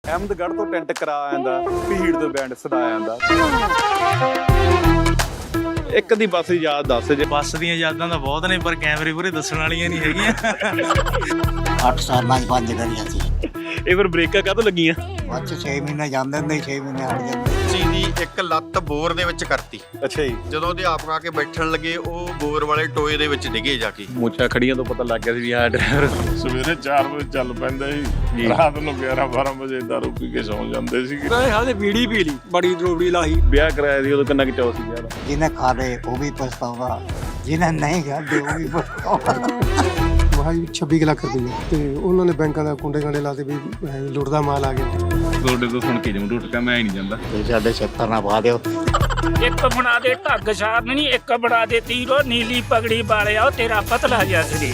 ਅਹਿਮਦਗੜ੍ਹ ਤੋਂ ਟੈਂਟ ਕਰਾ ਆਂਦਾ, ਭੀੜ ਤੋਂ ਬੈਂਡ ਸਦਾ ਆਂਦਾ। ਇੱਕ ਦੀ ਬੱਸ ਦੀ ਯਾਦ ਦੱਸ ਜੇ। ਬੱਸ ਦੀਆਂ ਯਾਦਾਂ ਤਾਂ ਬਹੁਤ ਨੇ, ਪਰ ਕੈਮਰੇ ਪੂਰੇ ਦੱਸਣ ਵਾਲੀਆਂ ਨਹੀਂ ਹੈਗੀਆਂ। 8 ਸਾਲਾਂ 'ਚ 5 ਕਰੀਆਂ ਸੀ। ਇਹ ਫਿਰ ਬ੍ਰੇਕਾਂ ਕਾਹਤੋਂ ਲੱਗੀਆਂ? ਬਾਅਦ 'ਚ 6 ਮਹੀਨੇ ਜਾਂਦੇ ਹੁੰਦੇ, 6 ਮਹੀਨੇ ਹਟ ਜਾਂਦੇ। ਜੀ ਦੀ ਇੱਕ ਲੱਤ ਬੋਰ ਦੇ ਵਿੱਚ ਕਰਤੀ। ਅੱਛਾ ਜੀ। ਜਦੋਂ ਅਧਿਆਪਕ ਆ ਕੇ ਬੈਠਣ ਲੱਗੇ, ਉਹ ਬੋਰ ਵਾਲੇ ਟੋਏ ਦੇ ਵਿੱਚ ਡਿੱਗੇ ਜਾ ਕੇ। ਮੁੱਛਾਂ ਖੜੀਆਂ ਤੋਂ ਪਤਾ ਲੱਗ ਗਿਆ ਸੀ ਵੀ ਆਹ ਡਰਾਈਵਰ ਸਵੇਰੇ 4 ਵਜੇ ਚੱਲ ਪੈਂਦਾ ਸੀ, ਰਾਤ ਨੂੰ 11-12 ਵਜੇ ਦਾਰੂ ਪੀ ਕੇ ਸੌਂ ਜਾਂਦੇ ਸੀਗੇ। ਹਾਲੇ ਬੀੜੀ ਪੀ ਲਈ, ਬੜੀ ਰੋੜੀ ਲਾਹੀ। ਵਿਆਹ ਕਰਾਇਆ ਸੀ ਉਦੋਂ ਕਿੰਨਾ ਕਿ ਚਾਅ ਸੀ ਯਾਰ। ਜਿਹਨੇ ਖਾ ਲਏ ਉਹ ਵੀ ਪਛਤਾਉਂਦਾ, ਜਿਹਨੇ ਨਹੀਂ ਖਾਦੇ ਉਹ ਵੀ ਪਛਤਾਉਂਦਾ। ਵਾਹੀ 26 ਲੱਖ ਰੁਪਏ ਤੇ ਉਹਨਾਂ ਨੇ ਬੈਂਕਾਂ ਦਾ ਕੁੰਡੇ ਕਾਂਡੇ ਲਾਤੇ ਵੀ ਲੁੱਟਦਾ ਮਾਲ ਆ ਗਿਆ। ਤੁਹਾਡੇ ਤੋਂ ਸੁਣ ਕੇ ਜਮ ਟੁੱਟਕਾ ਮੈਂ ਹੀ ਨਹੀਂ ਜਾਂਦਾ। ਤੁਸੀਂ ਸਾਡੇ ਛੱਤਰ ਨਾ ਪਾ ਦਿਓ। ਇੱਕ ਬਣਾ ਦੇ ਢੱਗ ਸਾਰਨ ਨਹੀਂ, ਇੱਕ ਬਣਾ ਦੇ ਤੀਰੋ ਨੀਲੀ ਪਗੜੀ ਵਾਲਿਆ, ਉਹ ਤੇਰਾ ਪਤਲਾ ਜਿਹਾ ਸਰੀਰ।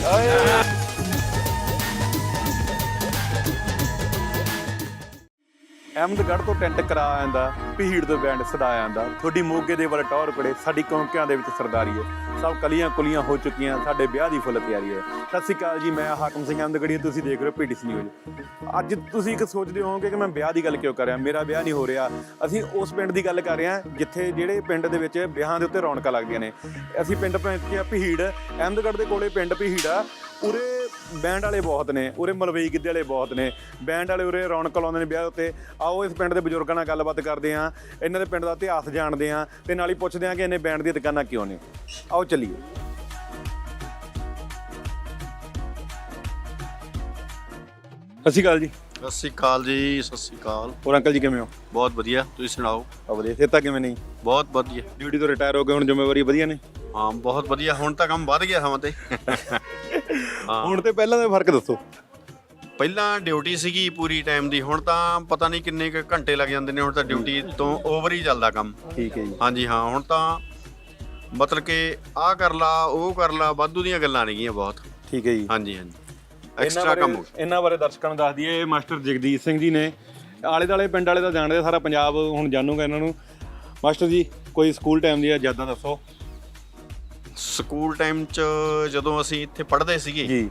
ਅਹਿਮਦਗੜ੍ਹ ਤੋਂ ਟੈਂਟ ਕਰਾ ਆਂਦਾ, ਭੀੜ ਤੋਂ ਬੈਂਡ ਸਦਾ ਆਂਦਾ। ਤੁਹਾਡੀ ਮੋਗੇ ਦੇ ਵੱਲ ਟੌਰ ਕੜੇ, ਸਾਡੀ ਕੌਂਕਿਆਂ ਦੇ ਵਿੱਚ ਸਰਦਾਰੀ ਹੈ। ਸਭ ਕਲੀਆਂ ਕੁਲੀਆਂ ਹੋ ਚੁੱਕੀਆਂ, ਸਾਡੇ ਵਿਆਹ ਦੀ ਫੁੱਲ ਤਿਆਰੀ ਹੈ। ਸਤਿ ਸ਼੍ਰੀ ਅਕਾਲ ਜੀ, ਮੈਂ ਹਾਕਮ ਸਿੰਘ ਅਹਿਮਦਗੜ੍ਹੀ, ਤੁਸੀਂ ਦੇਖ ਰਹੇ ਹੋ PTC ਨਿਊਜ਼। ਅੱਜ ਤੁਸੀਂ ਇੱਕ ਸੋਚਦੇ ਹੋਵੋਗੇ ਕਿ ਮੈਂ ਵਿਆਹ ਦੀ ਗੱਲ ਕਿਉਂ ਕਰ ਰਿਹਾ। ਮੇਰਾ ਵਿਆਹ ਨਹੀਂ ਹੋ ਰਿਹਾ। ਅਸੀਂ ਉਸ ਪਿੰਡ ਦੀ ਗੱਲ ਕਰ ਰਹੇ ਹਾਂ ਜਿੱਥੇ ਜਿਹੜੇ ਪਿੰਡ ਦੇ ਵਿੱਚ ਵਿਆਹਾਂ ਦੇ ਉੱਤੇ ਰੌਣਕਾਂ ਲੱਗਦੀਆਂ ਨੇ। ਅਸੀਂ ਪਿੰਡ ਪਹੁੰਚੇ ਹਾਂ ਭੀੜ, ਅਹਿਮਦਗੜ੍ਹ ਦੇ ਕੋਲੇ ਪਿੰਡ ਭੀੜ ਆ। ਉਰੇ ਬੈਂਡ ਵਾਲੇ ਬਹੁਤ ਨੇ, ਉਰੇ ਮਲਵਈ ਗਿੱਧੇ ਵਾਲੇ ਬਹੁਤ ਨੇ। ਬੈਂਡ ਵਾਲੇ ਉਰੇ ਰੌਣਕ ਲਾਉਂਦੇ ਨੇ ਵਿਆਹ ਉੱਤੇ। ਆਓ ਇਸ ਪਿੰਡ ਦੇ ਬਜ਼ੁਰਗਾਂ ਨਾਲ ਗੱਲਬਾਤ ਕਰਦੇ ਹਾਂ, ਇਹਨਾਂ ਦੇ ਪਿੰਡ ਦਾ ਇਤਿਹਾਸ ਜਾਣਦੇ ਹਾਂ ਤੇ ਨਾਲ ਹੀ ਪੁੱਛਦੇ ਹਾਂ ਕਿ ਇਹਨੇ ਬੈਂਡ ਦੀਆਂ ਦੁਕਾਨਾਂ ਕਿਉਂ ਨੇ। ਆਓ ਚੱਲੀਏ। ਸਤਿ ਸ਼੍ਰੀ ਅਕਾਲ ਜੀ। ਸਤਿ ਸ਼੍ਰੀ ਅਕਾਲ ਜੀ, ਸਤਿ ਸ਼੍ਰੀ ਅਕਾਲ। ਹੋਰ ਅੰਕਲ ਜੀ ਕਿਵੇਂ ਹੋ? ਬਹੁਤ ਵਧੀਆ, ਤੁਸੀਂ ਸੁਣਾਓ? ਵਧੀਆ। ਸਿਹਤਾਂ ਕਿਵੇਂ ਨਹੀਂ? ਬਹੁਤ ਵਧੀਆ। ਡਿਊਟੀ ਤੋਂ ਰਿਟਾਇਰ ਹੋ ਗਏ, ਹੁਣ ਜ਼ਿੰਮੇਵਾਰੀ ਵਧੀਆ ਨੇ? ਹਾਂ ਬਹੁਤ ਵਧੀਆ, ਹੁਣ ਤਾਂ ਕੰਮ ਵੱਧ ਗਿਆ ਸਮਾਂ ਤੇ। ਹੁਣ ਤੇ ਪਹਿਲਾਂ ਦਾ ਫਰਕ ਦੱਸੋ। ਪਹਿਲਾਂ ਡਿਊਟੀ ਸੀਗੀ ਪੂਰੀ ਟਾਈਮ ਦੀ, ਹੁਣ ਤਾਂ ਪਤਾ ਨਹੀਂ ਕਿੰਨੇ ਕੁ ਘੰਟੇ ਲੱਗ ਜਾਂਦੇ ਨੇ। ਹੁਣ ਤਾਂ ਡਿਊਟੀ ਤੋਂ ਓਵਰ ਹੀ ਚੱਲਦਾ ਕੰਮ। ਠੀਕ ਹੈ ਜੀ। ਹਾਂਜੀ ਹਾਂ, ਹੁਣ ਤਾਂ ਮਤਲਬ ਕਿ ਆਹ ਕਰ ਲਾ, ਉਹ ਕਰ ਲਾ, ਵਾਧੂ ਦੀਆਂ ਗੱਲਾਂ ਨੇਗੀਆਂ ਬਹੁਤ। ਠੀਕ ਹੈ ਜੀ। ਹਾਂਜੀ ਹਾਂਜੀ, ਐਕਸਟਰਾ ਕੰਮ ਹੋ ਗਿਆ। ਇਹਨਾਂ ਬਾਰੇ ਦਰਸ਼ਕਾਂ ਨੂੰ ਦੱਸ ਦਈਏ, ਮਾਸਟਰ ਜਗਦੀਸ਼ ਸਿੰਘ ਜੀ ਨੇ। ਆਲੇ ਦੁਆਲੇ ਪਿੰਡ ਵਾਲੇ ਤਾਂ ਜਾਣਦੇ, ਸਾਰਾ ਪੰਜਾਬ ਹੁਣ ਜਾਣੂਗਾ ਇਹਨਾਂ ਨੂੰ। ਮਾਸਟਰ ਜੀ, ਕੋਈ ਸਕੂਲ ਟਾਈਮ ਦੀਆਂ ਯਾਦਾਂ ਦੱਸੋ। ਸਕੂਲ ਟਾਈਮ 'ਚ ਜਦੋਂ ਅਸੀਂ ਇੱਥੇ ਪੜ੍ਹਦੇ ਸੀਗੇ ਜੀ।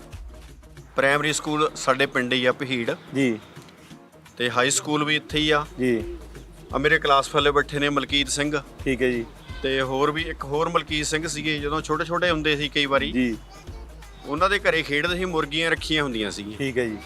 ਪ੍ਰਾਇਮਰੀ ਸਕੂਲ ਸਾਡੇ ਪਿੰਡ ਹੀ ਆ ਭੀੜ, ਜੀ। ਤੇ ਹਾਈ ਸਕੂਲ ਵੀ ਇੱਥੇ ਹੀ ਆ ਜੀ। ਆ ਮੇਰੇ ਕਲਾਸ ਫੈਲੇ ਬੈਠੇ ਨੇ ਮਲਕੀਤ ਸਿੰਘ, ਠੀਕ ਹੈ ਜੀ। ਤੇ ਹੋਰ ਵੀ ਇੱਕ ਹੋਰ ਮਲਕੀਤ ਸਿੰਘ ਸੀਗੇ। ਜਦੋਂ ਛੋਟੇ ਛੋਟੇ ਹੁੰਦੇ ਸੀ ਕਈ ਵਾਰੀ ਜੀ। ਉਹਨਾਂ ਦੇ ਘਰੇ ਖੇਡਦੇ ਸੀ, ਮੁਰਗੀਆਂ ਰੱਖੀਆਂ ਹੁੰਦੀਆਂ ਸੀਗੀਆਂ। ਠੀਕ ਹੈ ਜੀ।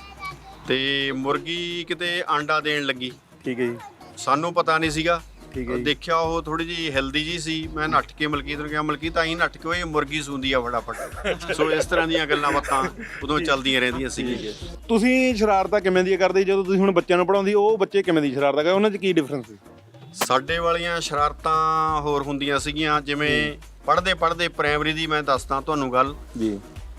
ਤੇ ਮੁਰਗੀ ਕਿਤੇ ਆਂਡਾ ਦੇਣ ਲੱਗੀ, ਠੀਕ ਹੈ ਜੀ। ਸਾਨੂੰ ਪਤਾ ਨਹੀਂ ਸੀਗਾ। ਠੀਕ ਹੈ ਜੀ। ਦੇਖਿਆ ਉਹ ਥੋੜੀ ਜਿਹੀ ਹੈਲਦੀ ਜੀ ਸੀ। ਮੈਂ ਨੱਠ ਕੇ ਮਲਕੀਤ ਨੂੰ ਕਿਹਾ, ਮਲਕੀਤ ਆਈ ਨੱਠ ਕੇ, ਇਹ ਮੁਰਗੀ ਸੂੰਦੀ ਆ ਫਟਾਫਟ। ਸੋ ਇਸ ਤਰ੍ਹਾਂ ਦੀਆਂ ਗੱਲਾਂ ਬਾਤਾਂ ਉਦੋਂ ਚੱਲਦੀਆਂ ਰਹਿੰਦੀਆਂ ਸੀਗੀਆਂ। ਤੁਸੀਂ ਸ਼ਰਾਰਤਾਂ ਕਿਵੇਂ ਦੀਆਂ ਕਰਦੇ ਜਦੋਂ ਤੁਸੀਂ ਹੁਣ ਬੱਚਿਆਂ ਨੂੰ ਪੜ੍ਹਾਉਂਦੀ, ਉਹ ਬੱਚੇ ਕਿਵੇਂ ਦੀ ਸ਼ਰਾਰਤਾਂ ਕਰਦੇ, ਉਹਨਾਂ 'ਚ ਕੀ ਡਿਫਰੈਂਸ ਸੀ? ਸਾਡੇ ਵਾਲੀਆਂ ਸ਼ਰਾਰਤਾਂ ਹੋਰ ਹੁੰਦੀਆਂ ਸੀਗੀਆਂ। ਜਿਵੇਂ ਪੜ੍ਹਦੇ ਪੜ੍ਹਦੇ ਪ੍ਰਾਇਮਰੀ ਦੀ ਮੈਂ ਦੱਸਦਾ ਤੁਹਾਨੂੰ ਗੱਲ ਜੀ।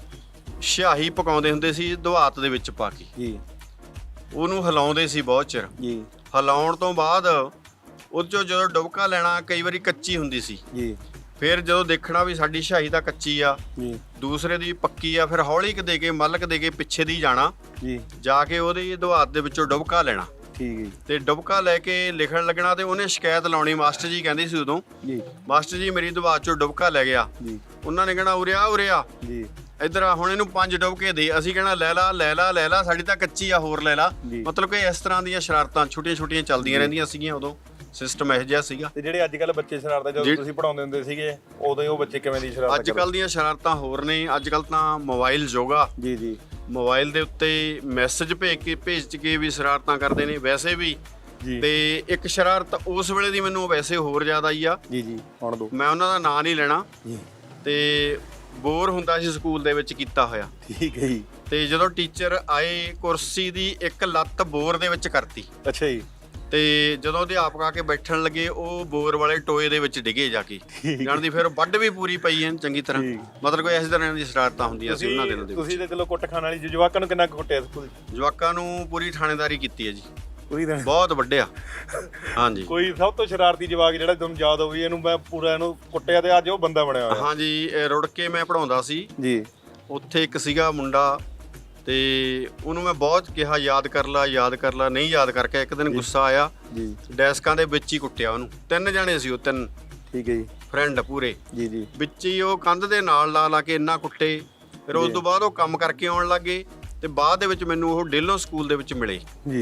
ਸਿਆਹੀ ਪਕਾਉਂਦੇ ਹੁੰਦੇ ਸੀ ਦਵਾਤ ਦੇ ਵਿੱਚ ਪਾ ਕੇ, ਜੀ। ਉਹਨੂੰ ਹਿਲਾਉਂਦੇ ਸੀ ਬਹੁਤ ਚਿਰ। ਜੀ। ਹਿਲਾਉਣ ਤੋਂ ਬਾਅਦ ਉਹ 'ਚੋਂ ਜਦੋਂ ਡੁਬਕਾ ਲੈਣਾ, ਕਈ ਵਾਰੀ ਕੱਚੀ ਹੁੰਦੀ ਸੀ। ਜੀ। ਫਿਰ ਜਦੋਂ ਦੇਖਣਾ ਵੀ ਸਾਡੀ ਸਿਆਹੀ ਤਾਂ ਕੱਚੀ ਆ, ਜੀ। ਦੂਸਰੇ ਦੀ ਪੱਕੀ ਆ, ਫਿਰ ਹੌਲੀ ਦੇ ਕੇ ਮਲਕ ਦੇ ਕੇ ਪਿੱਛੇ ਦੀ ਜਾਣਾ, ਜੀ। ਜਾ ਕੇ ਉਹਦੀ ਦਵਾਤ ਦੇ ਵਿੱਚੋਂ ਡੁਬਕਾ ਲੈਣਾ। ਠੀਕ ਹੈ ਜੀ। ਤੇ ਡੁਬਕਾ ਲੈ ਕੇ ਲਿਖਣ ਲੱਗਣਾ, ਤੇ ਉਹਨੇ ਸ਼ਿਕਾਇਤ ਲਾਉਣੀ। ਮਾਸਟਰ ਜੀ ਕਹਿੰਦੇ ਸੀ ਉਦੋਂ, ਜੀ। ਮਾਸਟਰ ਜੀ ਮੇਰੀ ਦਵਾਤ 'ਚੋਂ ਡੁਬਕਾ ਲੈ ਗਿਆ। ਜੀ। ਉਹਨਾਂ ਨੇ ਕਹਿਣਾ ਉਰੇ ਆ ਉਰੇ ਆ, ਜੀ। ਇੱਧਰ ਆ, ਹੁਣ ਇਹਨੂੰ 5 ਡੁਬਕੇ ਦੇ। ਅਸੀਂ ਕਹਿਣਾ ਲੈ ਲਾ ਲੈ ਲਾ ਲੈ ਲਾ, ਸਾਡੀ ਤਾਂ ਕੱਚੀ ਆ, ਹੋਰ ਲੈ ਲਾ। ਜੀ। ਮਤਲਬ ਕਿ ਇਸ ਤਰ੍ਹਾਂ ਦੀਆਂ ਸ਼ਰਾਰਤਾਂ ਛੋਟੀਆਂ ਛੋਟੀਆਂ ਚੱਲਦੀਆਂ ਰਹਿੰਦੀਆਂ ਸੀਗੀਆਂ। ਉਦੋਂ ਸਿਸਟਮ ਇਹੋ ਜਿਹਾ ਸੀਗਾ। ਤੇ ਜਿਹੜੇ ਅੱਜ ਕੱਲ੍ਹ ਬੱਚੇ ਸ਼ਰਾਰਤਾਂ ਜਦੋਂ ਤੁਸੀਂ ਪੜ੍ਹਾਉਂਦੇ ਹੁੰਦੇ ਸੀਗੇ, ਉਦੋਂ ਉਹ ਬੱਚੇ ਕਿਵੇਂ ਦੀ ਸ਼ਰਾਰਤਾਂ ਅੱਜ ਕੱਲ੍ਹ ਦੀਆਂ ਸ਼ਰਾਰਤਾਂ ਹੋਰ ਨੇ। ਅੱਜ ਕੱਲ੍ਹ ਤਾਂ ਮੋਬਾਈਲ ਯੋਗਾ। ਜੀ। ਜੀ। ਮੋਬਾਈਲ ਦੇ ਉੱਤੇ ਮੈਸੇਜ ਭੇਜ ਕੇ ਵੀ ਸ਼ਰਾਰਤਾਂ ਕਰਦੇ ਨੇ ਵੈਸੇ ਵੀ। ਜੀ। ਤੇ ਇੱਕ ਸ਼ਰਾਰਤ ਉਸ ਵੇਲੇ ਦੀ ਮੈਨੂੰ ਵੈਸੇ ਹੋਰ ਜ਼ਿਆਦਾ ਆਈ ਆ। ਜੀ। ਜੀ। ਹੁਣ ਦੋ। ਮੈਂ ਉਹਨਾਂ ਦਾ ਨਾਂ ਨਹੀਂ ਲੈਣਾ। ਜੀ। ਤੇ ਬੋਰ ਹੁੰਦਾ ਸੀ ਸਕੂਲ ਦੇ ਵਿੱਚ ਕੀਤਾ ਹੋਇਆ। ਠੀਕ ਹੈ ਜੀ। ਤੇ ਜਦੋਂ ਟੀਚਰ ਆਏ, ਕੁਰਸੀ ਦੀ ਇੱਕ ਲੱਤ ਬੋਰ ਦੇ ਵਿੱਚ ਕਰਤੀ। ਅੱਛਾ ਜੀ। ਤੇ ਜਦੋਂ ਅਧਿਆਪਕ ਆ ਕੇ ਬੈਠਣ ਲੱਗੇ, ਉਹ ਬੋਰ ਵਾਲੇ ਟੋਏ ਦੇ ਵਿੱਚ ਡਿੱਗੇ ਜਾ ਕੇ। ਜਾਣਦੀ ਫਿਰ ਵੱਢ ਵੀ ਪੂਰੀ ਪਈ ਐ ਚੰਗੀ ਤਰ੍ਹਾਂ। ਮਤਲਬ ਕੋਈ ਇਸ ਤਰ੍ਹਾਂ ਦੀ ਸ਼ਰਾਰਤਾਂ ਹੁੰਦੀਆਂ ਸੀ ਉਹਨਾਂ ਦਿਨਾਂ ਦੇ ਵਿੱਚ। ਤੁਸੀਂ ਤੇ ਚਲੋ ਕੁੱਟ ਖਾਣ ਵਾਲੀ ਜਵਾਕਾਂ ਨੂੰ ਕਿੰਨਾ ਕੁੱਟਿਆ ਸਕੂਲ? ਜਵਾਕਾਂ ਨੂੰ ਪੂਰੀ ਥਾਣੇਦਾਰੀ ਕੀਤੀ ਹੈ ਜੀ, ਪੂਰੀ ਤਰ੍ਹਾਂ। ਬਹੁਤ ਵੱਡਿਆ। ਹਾਂਜੀ। ਕੋਈ ਸਭ ਤੋਂ ਸ਼ਰਾਰਤੀ ਜਵਾਕ ਜਿਹੜਾ ਤੁਹਾਨੂੰ ਯਾਦ ਹੋਵੇ, ਇਹਨੂੰ ਮੈਂ ਪੂਰਾ ਇਹਨੂੰ ਕੁੱਟਿਆ ਤੇ ਅੱਜ ਉਹ ਬੰਦਾ ਬਣਿਆ ਹੋਇਆ? ਹਾਂਜੀ, ਰੁੜ ਕੇ ਮੈਂ ਪੜ੍ਹਾਉਂਦਾ ਸੀ ਜੀ। ਉੱਥੇ ਇੱਕ ਸੀਗਾ ਮੁੰਡਾ, ਤੇ ਉਹਨੂੰ ਮੈਂ ਬਹੁਤ ਕਿਹਾ ਯਾਦ ਕਰ ਲਾ ਯਾਦ ਕਰ ਲਾ, ਨਹੀਂ ਯਾਦ ਕਰਕੇ ਇੱਕ ਦਿਨ ਗੁੱਸਾ ਆਇਆ ਜੀ। ਡੈਸਕਾਂ ਦੇ ਵਿੱਚ ਹੀ ਕੁੱਟਿਆ ਉਹਨੂੰ। 3 ਜਾਣੇ ਸੀ ਉਹ, 3 ਠੀਕ ਹੈ ਜੀ। ਫਰੈਂਡ ਪੂਰੇ। ਜੀ। ਜੀ। ਵਿੱਚ ਹੀ ਉਹ ਕੰਧ ਦੇ ਨਾਲ ਲਾ ਕੇ ਇੰਨਾ ਕੁੱਟੇ। ਫਿਰ ਉਸ ਤੋਂ ਬਾਅਦ ਉਹ ਕੰਮ ਕਰਕੇ ਆਉਣ ਲੱਗੇ, ਤੇ ਬਾਅਦ ਦੇ ਵਿੱਚ ਮੈਨੂੰ ਉਹ ਡੇਲੋਂ ਸਕੂਲ ਦੇ ਵਿੱਚ ਮਿਲੇ। ਜੀ।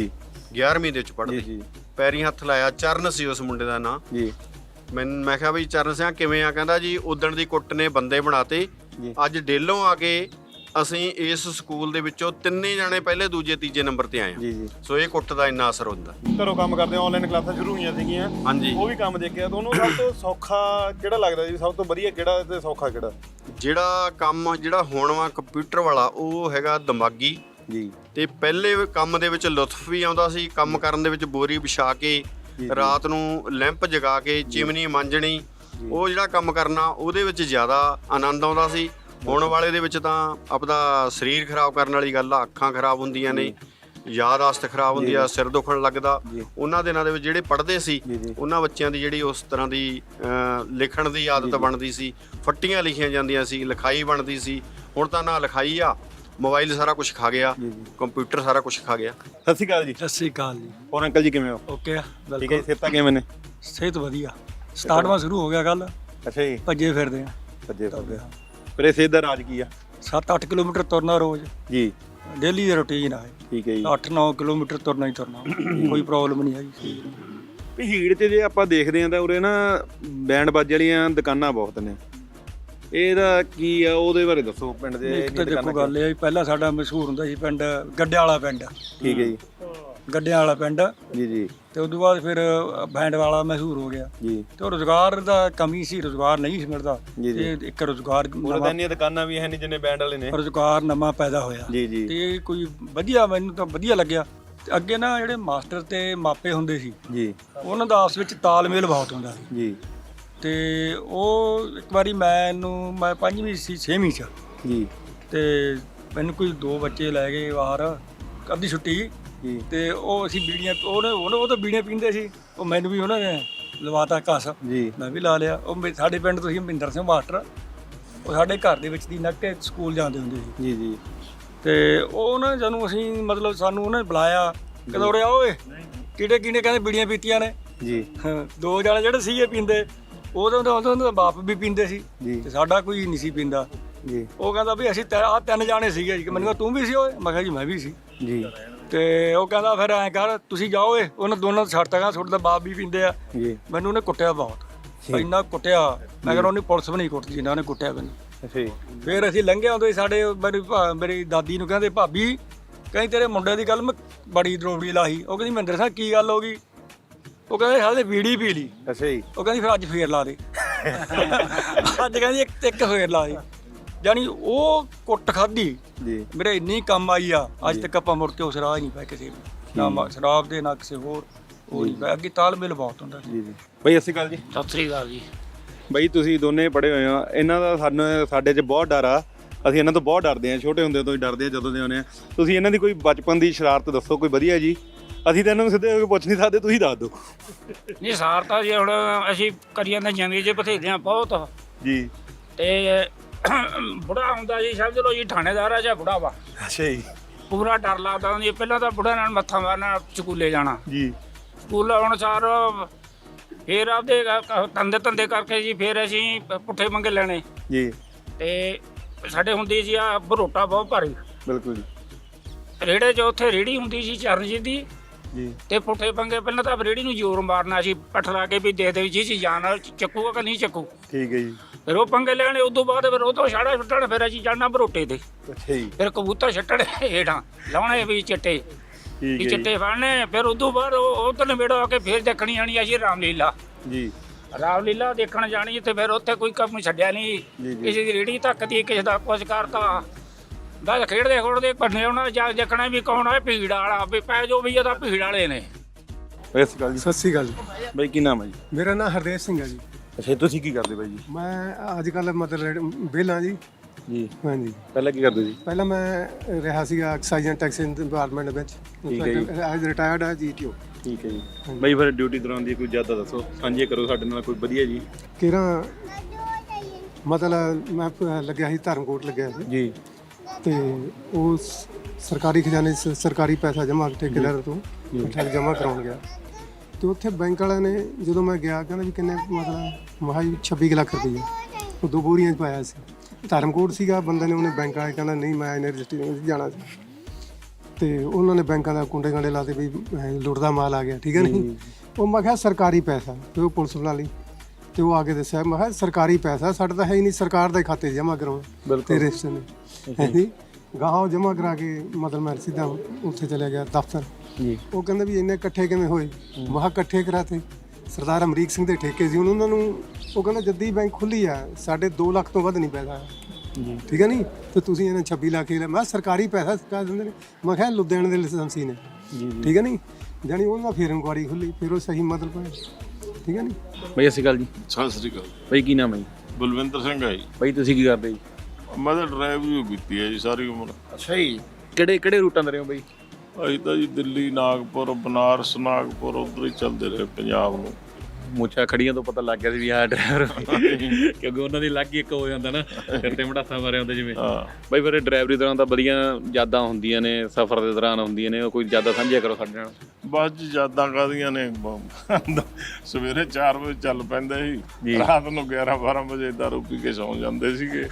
11ਵੀਂ ਦੇ ਵਿੱਚ ਪੜ੍ਹਦੇ ਜੀ ਪੈਰੀਂ ਹੱਥ ਲਾਇਆ। ਚਰਨ ਸੀ ਉਸ ਮੁੰਡੇ ਦਾ ਨਾਂ ਜੀ ਮੈਂ ਕਿਹਾ ਬਈ ਚਰਨ ਸਿੰਘ ਕਿਵੇਂ ਆ? ਕਹਿੰਦਾ ਜੀ ਉਦਣ ਦੀ ਕੁੱਟ ਨੇ ਬੰਦੇ ਬਣਾਤੇ, ਜੀ। ਅੱਜ ਡੇਲੋਂ ਆ ਕੇ ਅਸੀਂ ਇਸ ਸਕੂਲ ਦੇ ਵਿੱਚੋਂ 3 ਜਾਣੇ ਪਹਿਲੇ ਦੂਜੇ ਤੀਜੇ ਨੰਬਰ ਤੇ ਆਏ ਜੀ ਜੀ। ਸੋ ਇਹ ਕੁੱਟ ਦਾ ਇੰਨਾ ਅਸਰ ਹੁੰਦਾ। ਘਰੋਂ ਕੰਮ ਕਰਦੇ ਆਨਲਾਈਨ ਕਲਾਸਾਂ ਸ਼ੁਰੂ ਹੋਈਆਂ ਸੀਗੀਆਂ, ਹਾਂਜੀ। ਉਹ ਵੀ ਕੰਮ ਦੇਖਿਆ। ਤੁਹਾਨੂੰ ਸਭ ਤੋਂ ਸੌਖਾ ਕਿਹੜਾ ਲੱਗਦਾ ਜੀ? ਸਭ ਤੋਂ ਵਧੀਆ ਕਿਹੜਾ ਤੇ ਸੌਖਾ ਕਿਹੜਾ? ਜਿਹੜਾ ਕੰਮ ਜਿਹੜਾ ਹੋਣ ਵਾ ਕੰਪਿਊਟਰ ਵਾਲਾ ਉਹ ਹੈਗਾ ਦਿਮਾਗੀ ਜੀ। ਤੇ ਪਹਿਲੇ ਕੰਮ ਦੇ ਵਿੱਚ ਲੁਤਫ ਵੀ ਆਉਂਦਾ ਸੀ। ਕੰਮ ਕਰਨ ਦੇ ਵਿੱਚ ਬੋਰੀ ਵਿਛਾ ਕੇ ਰਾਤ ਨੂੰ ਲੈਂਪ ਜਗਾ ਕੇ ਚਿਮਨੀ ਮਾਂਜਣੀ, ਉਹ ਜਿਹੜਾ ਕੰਮ ਕਰਨਾ ਉਹਦੇ ਵਿੱਚ ਜ਼ਿਆਦਾ ਆਨੰਦ ਆਉਂਦਾ ਸੀ। ਹੁਣ ਵਾਲੇ ਦੇ ਵਿੱਚ ਤਾਂ ਆਪਦਾ ਸਰੀਰ ਖਰਾਬ ਕਰਨ ਵਾਲੀ ਗੱਲ ਆ, ਅੱਖਾਂ ਖਰਾਬ ਹੁੰਦੀਆਂ ਨੇ, ਯਾਦਾਸ਼ਤ ਖਰਾਬ ਹੁੰਦੀ ਆ, ਸਿਰ ਦੁਖਣ ਲੱਗਦਾ। ਉਹਨਾਂ ਦਿਨਾਂ ਦੇ ਵਿੱਚ ਜਿਹੜੇ ਪੜ੍ਹਦੇ ਸੀ ਉਹਨਾਂ ਬੱਚਿਆਂ ਦੀ ਜਿਹੜੀ ਉਸ ਤਰ੍ਹਾਂ ਦੀ ਲਿਖਣ ਦੀ ਆਦਤ ਬਣਦੀ ਸੀ, ਫੱਟੀਆਂ ਲਿਖੀਆਂ ਜਾਂਦੀਆਂ ਸੀ, ਲਿਖਾਈ ਬਣਦੀ ਸੀ। ਹੁਣ ਤਾਂ ਨਾ ਲਿਖਾਈ ਆ, ਮੋਬਾਈਲ ਸਾਰਾ ਕੁਝ ਖਾ ਗਿਆ, ਕੰਪਿਊਟਰ ਸਾਰਾ ਕੁਝ ਖਾ ਗਿਆ। ਸਤਿ ਸ਼੍ਰੀ ਅਕਾਲ ਜੀ। ਸਤਿ ਸ੍ਰੀ ਅਕਾਲ ਜੀ। ਹੋਰ ਅੰਕਲ ਜੀ ਕਿਵੇਂ ਹੋ? ਓਕੇ ਆ, ਠੀਕ ਹੈ ਜੀ। ਬਿਲਕੁਲ ਸਿਹਤਾਂ ਕਿਵੇਂ ਨੇ? ਸਿਹਤ ਵਧੀਆ। ਸਟਾਰਟਵਾ ਸ਼ੁਰੂ ਹੋ ਗਿਆ ਕੱਲ, ਅੱਛਾ ਜੀ। ਭੱਜੇ ਫਿਰਦੇ ਆ। ਸੱਜੇ ਪਾਸੇ ਫਿਰ ਇਹ ਸਿਹਤ ਦਾ ਰਾਜ ਕੀ ਆ? 7-8 ਕਿਲੋਮੀਟਰ ਤੁਰਨਾ ਰੋਜ਼, ਜੀ ਡੇਲੀ ਦੀ ਰੁਟੀਨ ਆ। ਠੀਕ ਹੈ ਜੀ। 8-9 ਕਿਲੋਮੀਟਰ ਤੁਰਨਾ ਹੀ ਤੁਰਨਾ, ਕੋਈ ਪ੍ਰੋਬਲਮ ਨਹੀਂ ਹੈਗੀ। ਭੀੜ 'ਚ ਜੇ ਆਪਾਂ ਦੇਖਦੇ ਆਂ ਤਾਂ ਉਰੇ ਨਾ ਬੈਂਡ ਬਾਜੇ ਵਾਲੀਆਂ ਦੁਕਾਨਾਂ ਬਹੁਤ ਨੇ। ਇਹਦਾ ਕੀ ਆ? ਉਹਦੇ ਬਾਰੇ ਦੱਸੋ। ਪਿੰਡ ਦੇ ਇੱਕ ਤਾਂ ਦੇਖੋ ਗੱਲ ਇਹ ਆ ਵੀ ਪਹਿਲਾਂ ਸਾਡਾ ਮਸ਼ਹੂਰ ਹੁੰਦਾ ਸੀ ਪਿੰਡ ਗੱਡਿਆਂ ਵਾਲਾ ਪਿੰਡ। ਠੀਕ ਹੈ ਜੀ। ਗੱਡਿਆਂ ਵਾਲਾ ਪਿੰਡ ਜੀ ਜੀ ਤੇ ਉਦੋਂ ਬਾਅਦ ਫਿਰ ਬੈਂਡ ਵਾਲਾ ਮਸ਼ਹੂਰ ਹੋ ਗਿਆ ਜੀ। ਤੇ ਉਹ ਰੁਜ਼ਗਾਰ ਦਾ ਕਮੀ ਸੀ, ਰੁਜ਼ਗਾਰ ਨਹੀਂ ਸੀ ਮਿਲਦਾ। ਜੀ ਜੀ। ਤੇ ਇੱਕ ਰੁਜ਼ਗਾਰ ਉਰੇ ਤਾਂ ਇੰਨੀਆਂ ਦੁਕਾਨਾਂ ਵੀ ਹੈ ਨਹੀਂ ਜਿੰਨੇ ਬੈਂਡ ਵਾਲੇ ਨੇ। ਰੁਜ਼ਗਾਰ ਨਵਾਂ ਪੈਦਾ ਹੋਇਆ ਜੀ ਜੀ। ਤੇ ਕੋਈ ਵਧੀਆ, ਮੈਨੂੰ ਤਾਂ ਵਧੀਆ ਲੱਗਿਆ। ਤੇ ਅੱਗੇ ਨਾ ਜਿਹੜੇ ਮਾਸਟਰ ਤੇ ਮਾਪੇ ਹੁੰਦੇ ਸੀ ਜੀ ਉਹਨਾਂ ਦਾ ਆਪਸ ਵਿੱਚ ਤਾਲਮੇਲ ਬਹੁਤ ਹੁੰਦਾ ਸੀ। ਜੀ ਤੇ ਉਹ ਇੱਕ ਵਾਰੀ ਮੈਂ 5ਵੀਂ ਸੀ 6ਵੀਂ ਚ ਜੀ ਤੇ ਮੈਨੂੰ ਕੋਈ 2 ਬੱਚੇ ਲੈ ਗਏ ਬਾਹਰ ਅੱਧੀ ਛੁੱਟੀ ਜੀ। ਤੇ ਉਹ ਅਸੀਂ ਬੀੜੀਆਂ ਉਹ ਤਾਂ ਬੀੜੀਆਂ ਪੀਂਦੇ ਸੀ, ਉਹ ਮੈਨੂੰ ਵੀ ਉਹਨਾਂ ਨੇ ਲਵਾਤਾ ਘਸ, ਜੀ ਮੈਂ ਵੀ ਲਾ ਲਿਆ। ਉਹ ਸਾਡੇ ਪਿੰਡ ਤੋਂ ਸੀ ਮਹਿੰਦਰ ਸਿੰਘ ਮਾਸਟਰ, ਉਹ ਸਾਡੇ ਘਰ ਦੇ ਵਿੱਚ ਦੀ ਨੱਕੇ ਸਕੂਲ ਜਾਂਦੇ ਹੁੰਦੇ ਸੀ। ਜੀ ਜੀ। ਤੇ ਉਹ ਨਾ ਜਦੋਂ ਅਸੀਂ ਮਤਲਬ ਸਾਨੂੰ ਉਹਨੇ ਬੁਲਾਇਆ, ਕਹਿੰਦਾ ਉਰੇ ਆ ਓਏ, ਕਿਹੜੇ ਕਹਿੰਦੇ ਬੀੜੀਆਂ ਪੀਤੀਆਂ ਨੇ। ਜੀ 2 ਜਣੇ ਜਿਹੜੇ ਸੀਗੇ ਪੀਂਦੇ, ਉਹਦਾ ਦਾ ਬਾਪ ਵੀ ਪੀਂਦੇ ਸੀ ਜੀ। ਤੇ ਸਾਡਾ ਕੋਈ ਨਹੀਂ ਸੀ ਪੀਂਦਾ। ਜੀ ਉਹ ਕਹਿੰਦਾ ਵੀ ਅਸੀਂ 3 ਜਾਣੇ ਸੀਗੇ ਜੀ। ਮੈਨੂੰ ਕਹਿੰਦਾ ਤੂੰ ਵੀ ਸੀ ਓਏ? ਮੈਂ ਕਿਹਾ ਜੀ ਮੈਂ ਵੀ ਸੀ। ਜੀ ਤੇ ਉਹ ਕਹਿੰਦਾ ਫਿਰ ਐਂ ਕਰ, ਤੁਸੀਂ ਜਾਓ ਏ। ਉਹਨਾਂ ਦੋਨਾਂ ਨੂੰ ਛੱਡਤਾ, ਕਹਿੰਦਾ ਤੁਹਾਡੇ ਦਾ ਬਾਪ ਵੀ ਪੀਂਦੇ ਆ। ਜੀ। ਮੈਨੂੰ ਉਹਨੇ ਕੁੱਟਿਆ ਬਹੁਤ, ਇੰਨਾ ਕੁੱਟਿਆ। ਮੈਂ ਕਹਿੰਦਾ ਉਹਨੇ ਪੁਲਿਸ ਵੀ ਨਹੀਂ ਕੁੱਟਦੀ ਜਿੰਨਾ ਉਹਨੇ ਕੁੱਟਿਆ ਮੈਨੂੰ। ਅੱਛਾ ਜੀ। ਫਿਰ ਅਸੀਂ ਲੰਘੇ ਆਉਂਦੇ ਸਾਡੇ ਮੇਰੀ ਦਾਦੀ ਨੂੰ ਕਹਿੰਦੇ ਭਾਬੀ, ਕਹਿੰਦੀ ਤੇਰੇ ਮੁੰਡੇ ਦੀ ਗੱਲ ਮੈਂ ਬੜੀ ਦਰੋਬੜੀ ਲਾਹੀ। ਉਹ ਕਹਿੰਦੀ ਮਹਿੰਦਰ ਸਾਹਿਬ ਕੀ ਗੱਲ ਹੋ ਗਈ? ਉਹ ਕਹਿੰਦੇ ਸਾਡੇ ਬੀੜੀ ਪੀ ਲਈ। ਅੱਛਾ ਜੀ। ਉਹ ਕਹਿੰਦੀ ਫਿਰ ਅੱਜ ਫੇਰ ਲਾ ਦੇ। ਅੱਜ ਕਹਿੰਦੀ ਇੱਕ ਫੇਰ ਲਾ ਦੇ। ਜਾਣੀ ਉਹ ਕੁੱਟ ਖਾਧੀ ਜੀ। ਮੇਰੇ ਇੰਨੀ ਕੰਮ ਆਈ ਆ, ਅੱਜ ਤੱਕ ਆਪਾਂ ਮੁੜ ਕੇ ਉਸ ਰਾਹ ਹੀ ਨਹੀਂ ਪਏ ਕਿਸੇ ਵੀ, ਨਾ ਸ਼ਰਾਬ ਦੇ ਨਾ ਕਿਸੇ ਹੋਰ ਉਹ ਨਹੀਂ ਪਏ। ਅੱਗੇ ਤਾਲਮੇਲ ਬਹੁਤ ਹੁੰਦਾ ਸੀ। ਜੀ ਜੀ। ਬਈ ਸਤਿ ਸ਼੍ਰੀ ਅਕਾਲ ਜੀ। ਸਤਿ ਸ੍ਰੀ ਅਕਾਲ ਜੀ। ਬਈ ਤੁਸੀਂ ਦੋਨੇ ਪੜ੍ਹੇ ਹੋਏ ਆ, ਇਹਨਾਂ ਦਾ ਸਾਡੇ 'ਚ ਬਹੁਤ ਡਰ ਆ। ਅਸੀਂ ਇਹਨਾਂ ਤੋਂ ਬਹੁਤ ਡਰਦੇ ਹਾਂ, ਛੋਟੇ ਹੁੰਦੇ ਤੋਂ ਹੀ ਡਰਦੇ ਹਾਂ ਜਦੋਂ ਦੇ ਆਉਂਦੇ ਆ। ਤੁਸੀਂ ਇਹਨਾਂ ਦੀ ਕੋਈ ਬਚਪਨ ਦੀ ਸ਼ਰਾਰਤ ਦੱਸੋ ਕੋਈ ਵਧੀਆ ਜੀ। ਅਸੀਂ ਤਾਂ ਇਹਨਾਂ ਨੂੰ ਸਿੱਧੇ ਹੋ ਕੇ ਪੁੱਛ ਨਹੀਂ ਸਕਦੇ, ਤੁਸੀਂ ਦੱਸ ਦਿਓ ਨਹੀਂ ਸਾਰਤਾ ਜੀ, ਹੁਣ ਅਸੀਂ ਕਰੀ ਜਾਂਦੇ ਜ਼ਿੰਦਗੀ 'ਚ ਬਥੇਰਿਆਂ ਬਹੁਤ ਜੀ। ਤੇ ਬੁੜਾ ਹੁੰਦਾ ਜੀ, ਸਮਝ ਲਓ ਜੀ ਥਾਣੇਦਾਰ ਆ ਜਾਂ ਬੁੜਾ ਵਾ, ਅੱਛਾ ਜੀ। ਪੂਰਾ ਡਰ ਲੱਗਦਾ ਜੀ। ਪਹਿਲਾਂ ਤਾਂ ਬੁੜਾ ਨਾਲ ਮੱਥਾ ਮਾਰਨਾ, ਸਕੂਲੇ ਜਾਣਾ। ਜੀ। ਸਕੂਲ ਆਉਣ ਸਾਰ ਫਿਰ ਆਪਦੇ ਧੰਦੇ ਕਰਕੇ ਜੀ ਫਿਰ ਅਸੀਂ ਪੁੱਠੇ ਮੰਗੇ ਲੈਣੇ। ਜੀ। ਤੇ ਸਾਡੇ ਹੁੰਦੀ ਸੀ ਆ ਬਰੋਟਾ ਬਹੁਤ ਭਾਰੀ, ਬਿਲਕੁਲ ਜੀ। ਰੇੜੇ 'ਚ ਉੱਥੇ ਰੇੜੀ ਹੁੰਦੀ ਸੀ ਚਰਨਜੀਤ ਦੀ। ਜੀ। ਤੇ ਪੁੱਠੇ ਪੰਗੇ ਪਹਿਲਾਂ ਤਾਂ ਰੇੜੀ ਨੂੰ ਜ਼ੋਰ ਮਾਰਨਾ ਸੀ, ਪਠਲਾ ਕੇ ਵੀ ਦੇ ਜੀ ਜੀ ਜਾਨ ਨਾਲ ਚੱਕੂਗਾ ਕਿ ਨਹੀਂ ਚੱਕੂ। ਠੀਕ ਹੈ ਜੀ। ਫਿਰ ਉਹ ਪੰਗੇ ਲੈਣੇ, ਉਦੋਂ ਬਾਅਦ ਫਿਰ ਉਹ ਤੋਂ ਛਾੜਾ ਛੁੱਟਣ, ਫਿਰ ਅਸੀਂ ਜਾਣਾ ਬਰੋਟੇ ਤੇ। ਅੱਛਾ ਜੀ। ਫਿਰ ਕਬੂਤਰ ਛੱਟਣੇ ਹੇਠਾਂ ਲਾਉਣੇ ਵੀ ਚਿੱਟੇ ਠੀਕ ਵੀ ਹੈ ਚਿੱਟੇ ਫੜਨੇ। ਫਿਰ ਉਦੋਂ ਬਾਅਦ ਉਹ ਤੋਂ ਨਵੇੜੋ ਆ ਕੇ ਫਿਰ ਦੇਖਣੀ ਆਣੀ ਅਸੀਂ ਰਾਮਲੀਲਾ। ਜੀ। ਰਾਮਲੀਲਾ ਦੇਖਣ ਜਾਣੀ ਤੇ ਫਿਰ ਉੱਥੇ ਕੋਈ ਕੰਮ ਛੱਡਿਆ ਨਹੀਂ। ਕਿਸੇ ਦੀ ਰੇੜੀ ਧੱਕਦੀ, ਕਿਸੇ ਦਾ ਕੁਝ ਕਰਤਾ। ਬਸ ਖੇਡਦੇ ਭੰਨੇ ਉਹਨਾਂ ਜਾ ਦੇਖਣਾ ਵੀ ਕੌਣ ਆ ਭੀੜ ਵਾਲਾ, ਵੀ ਪੈ ਜੋ ਵੀ ਇਹਦਾ ਭੀੜ ਵਾਲੇ ਨੇ। ਸਤਿ ਸ਼੍ਰੀ ਅਕਾਲ ਜੀ। ਸਤਿ ਸ਼੍ਰੀ ਅਕਾਲ ਜੀ। ਬਈ ਕੀ ਨਾਮ ਹੈ ਜੀ? ਮੇਰਾ ਨਾਮ ਹਰਦੇਵ ਸਿੰਘ ਹੈ ਜੀ। ਅੱਛਾ, ਤੁਸੀਂ ਕੀ ਕਰਦੇ ਬਾਈ ਜੀ? ਮੈਂ ਅੱਜ ਕੱਲ੍ਹ ਮਤਲਬ ਵਿਹਲਾ ਜੀ। ਜੀ। ਹਾਂਜੀ। ਪਹਿਲਾਂ ਕੀ ਕਰਦੇ ਜੀ? ਪਹਿਲਾਂ ਮੈਂ ਰਿਹਾ ਸੀਗਾ ਐਕਸਾਈਜ਼ ਐਂਡ ਟੈਕਸ ਡਿਪਾਰਟਮੈਂਟ ਵਿੱਚ। ਠੀਕ ਹੈ ਜੀ। ਅੱਜ ਰਿਟਾਇਰਡ ਆ GTO। ਠੀਕ ਹੈ ਜੀ। ਬਈ ਫਿਰ ਡਿਊਟੀ ਦੌਰਾਨ ਦੀ ਕੋਈ ਜ਼ਿਆਦਾ ਦੱਸੋ, ਸਾਂਝੇ ਕਰੋ ਸਾਡੇ ਨਾਲ ਕੋਈ ਵਧੀਆ ਜੀ। ਕਿਹੜਾ ਮਤਲਬ ਮੈਂ ਲੱਗਿਆ ਸੀ ਧਰਮਕੋਟ ਲੱਗਿਆ ਸੀ ਜੀ। ਤੇ ਉਹ ਸਰਕਾਰੀ ਖਜ਼ਾਨੇ 'ਚ ਸਰਕਾਰੀ ਪੈਸਾ ਜਮ੍ਹਾਂ ਠੇਕੇਦਾਰ ਤੋਂ ਜਮ੍ਹਾਂ ਕਰਾਉਣ ਗਿਆ। ਤੇ ਉੱਥੇ ਬੈਂਕ ਵਾਲਿਆਂ ਨੇ ਜਦੋਂ ਮੈਂ ਗਿਆ, ਕਹਿੰਦਾ ਵੀ ਕਿੰਨੇ ਮਤਲਬ ਮਹਾ 26 ਲੱਖ ਰੁਪਏ ਉਹ 2 ਬੋਰੀਆਂ 'ਚ ਪਾਇਆ ਸੀ। ਧਰਮਕੋਟ ਸੀਗਾ ਬੰਦੇ ਨੇ, ਉਹਨੇ ਬੈਂਕ ਵਾਲੇ ਕਹਿੰਦਾ ਨਹੀਂ ਮੈਂ ਯੂਨੀਵਰਸਿਟੀ ਜਾਣਾ ਸੀ। ਤੇ ਉਹਨਾਂ ਨੇ ਬੈਂਕਾਂ ਦਾ ਕੁੰਡੇ ਕਾਂਡੇ ਲਾਤੇ ਵੀ ਲੁੱਟਦਾ ਮਾਲ ਆ ਗਿਆ, ਠੀਕ ਹੈ ਨਹੀਂ। ਉਹ ਮੈਂ ਕਿਹਾ ਸਰਕਾਰੀ ਪੈਸਾ, ਤੇ ਉਹ ਪੁਲਿਸ ਬੁਲਾ ਲਈ ਤੇ ਉਹ ਆ ਕੇ ਦੱਸਿਆ, ਮੈਂ ਕਿਹਾ ਸਰਕਾਰੀ ਪੈਸਾ ਸਾਡਾ ਤਾਂ ਹੈ ਹੀ ਨਹੀਂ, ਸਰਕਾਰ ਦੇ ਖਾਤੇ ਜਮ੍ਹਾਂ ਕਰਾਉਣਾ ਤੇ ਰਜਿਸਟਰ ਨੇ ਹੈ ਗਾਹਾਂ ਜਮ੍ਹਾਂ ਕਰਾ ਕੇ ਮਤਲਬ ਮੈਂ ਸਿੱਧਾ ਉੱਥੇ ਚਲਿਆ ਗਿਆ ਦਫ਼ਤਰ ਜੀ। ਉਹ ਕਹਿੰਦੇ ਵੀ ਇੰਨੇ ਇਕੱਠੇ ਕਿਵੇਂ ਹੋਏ? ਮਹਾ ਇਕੱਠੇ ਕਰਾਤੇ। ਸਰਦਾਰ ਅਮਰੀਕ ਸਿੰਘ ਦੇ ਠੇਕੇ ਸੀ ਉਹਨਾਂ ਨੂੰ, ਉਹ ਕਹਿੰਦਾ ਜੱਦੀ ਬੈਂਕ ਖੁੱਲੀ ਆ, ਸਾਡੇ 2 ਲੱਖ ਤੋਂ ਵੱਧ ਨਹੀਂ ਪੈਸਾ ਜੀ, ਠੀਕ ਹੈ ਨਹੀਂ, ਤੇ ਤੁਸੀਂ ਇਹਨਾਂ 26 ਲੱਖ ਹੀ ਲੈ। ਮੈਂ ਸਰਕਾਰੀ ਪੈਸਾ ਸਰਕਾਰ ਦਿੰਦੇ ਨੇ। ਮੈਂ ਕਿਹਾ ਲੁਧਿਆਣੇ ਦੇ ਲਾਇਸੈਂਸੀ ਨੇ, ਠੀਕ ਹੈ ਨਹੀਂ, ਜਾਣੀ ਉਹਨਾਂ ਫਿਰ ਇਨਕੁਆਰੀ ਖੁੱਲੀ, ਫਿਰ ਉਹ ਸਹੀ ਮਤਲਬ ਠੀਕ ਹੈ ਨਹੀਂ। ਬਈ ਅਸੀਂ ਗੱਲ ਜੀ। ਸਤਿ ਸ੍ਰੀ ਅਕਾਲ। ਬਈ ਕੀ ਨਾਮ ਹੈ ਜੀ? ਬਲਵਿੰਦਰ ਸਿੰਘ ਹੈ ਜੀ। ਬਈ ਤੁਸੀਂ ਕੀ ਕਰਦੇ ਜੀ? ਮੈਂ ਤਾਂ ਡਰਾਈਵਰੀ ਕੀਤੀ ਹੈ ਜੀ ਸਾਰੀ ਉਮਰ। ਅੱਛਾ ਜੀ। ਕਿਹੜੇ ਰੂਟਾਂ ਤੇ ਰਹੇ ਹੋ ਬਈ? ਅਸੀਂ ਤਾਂ ਜੀ ਦਿੱਲੀ, ਨਾਗਪੁਰ, ਬਨਾਰਸ, ਨਾਗਪੁਰ ਉੱਧਰ ਹੀ ਚੱਲਦੇ ਰਹੇ ਪੰਜਾਬ ਨੂੰ। ਮੁੱਛਾਂ ਖੜੀਆਂ ਤੋਂ ਪਤਾ ਲੱਗ ਗਿਆ ਸੀ ਵੀ ਆਹ ਡਰਾਈਵਰ, ਕਿਉਂਕਿ ਉਹਨਾਂ ਦੀ ਲੱਗ ਹੀ ਇੱਕ ਹੋ ਜਾਂਦਾ ਨਾ, ਸਿਰ ਤੇ ਮੜਾਸਾ ਮਾਰਿਆ ਹੁੰਦਾ ਜਿਵੇਂ। ਬਈ ਫਿਰ ਡਰਾਈਵਰੀ ਦੌਰਾਨ ਤਾਂ ਵਧੀਆ ਯਾਦਾਂ ਹੁੰਦੀਆਂ ਨੇ, ਸਫ਼ਰ ਦੇ ਦੌਰਾਨ ਹੁੰਦੀਆਂ ਨੇ, ਕੋਈ ਯਾਦਾਂ ਸਾਂਝੀਆਂ ਕਰੋ ਸਾਡੇ ਨਾਲ। ਬਸ ਜੀ ਯਾਦਾਂ ਕਾਹਦੀਆਂ ਨੇ, ਸਵੇਰੇ 4 ਵਜੇ ਚੱਲ ਪੈਂਦੇ ਸੀ, ਰਾਤ ਨੂੰ 11-12 ਵਜੇ ਦਾਰੂ ਪੀ ਕੇ ਸੌਂ ਜਾਂਦੇ ਸੀਗੇ।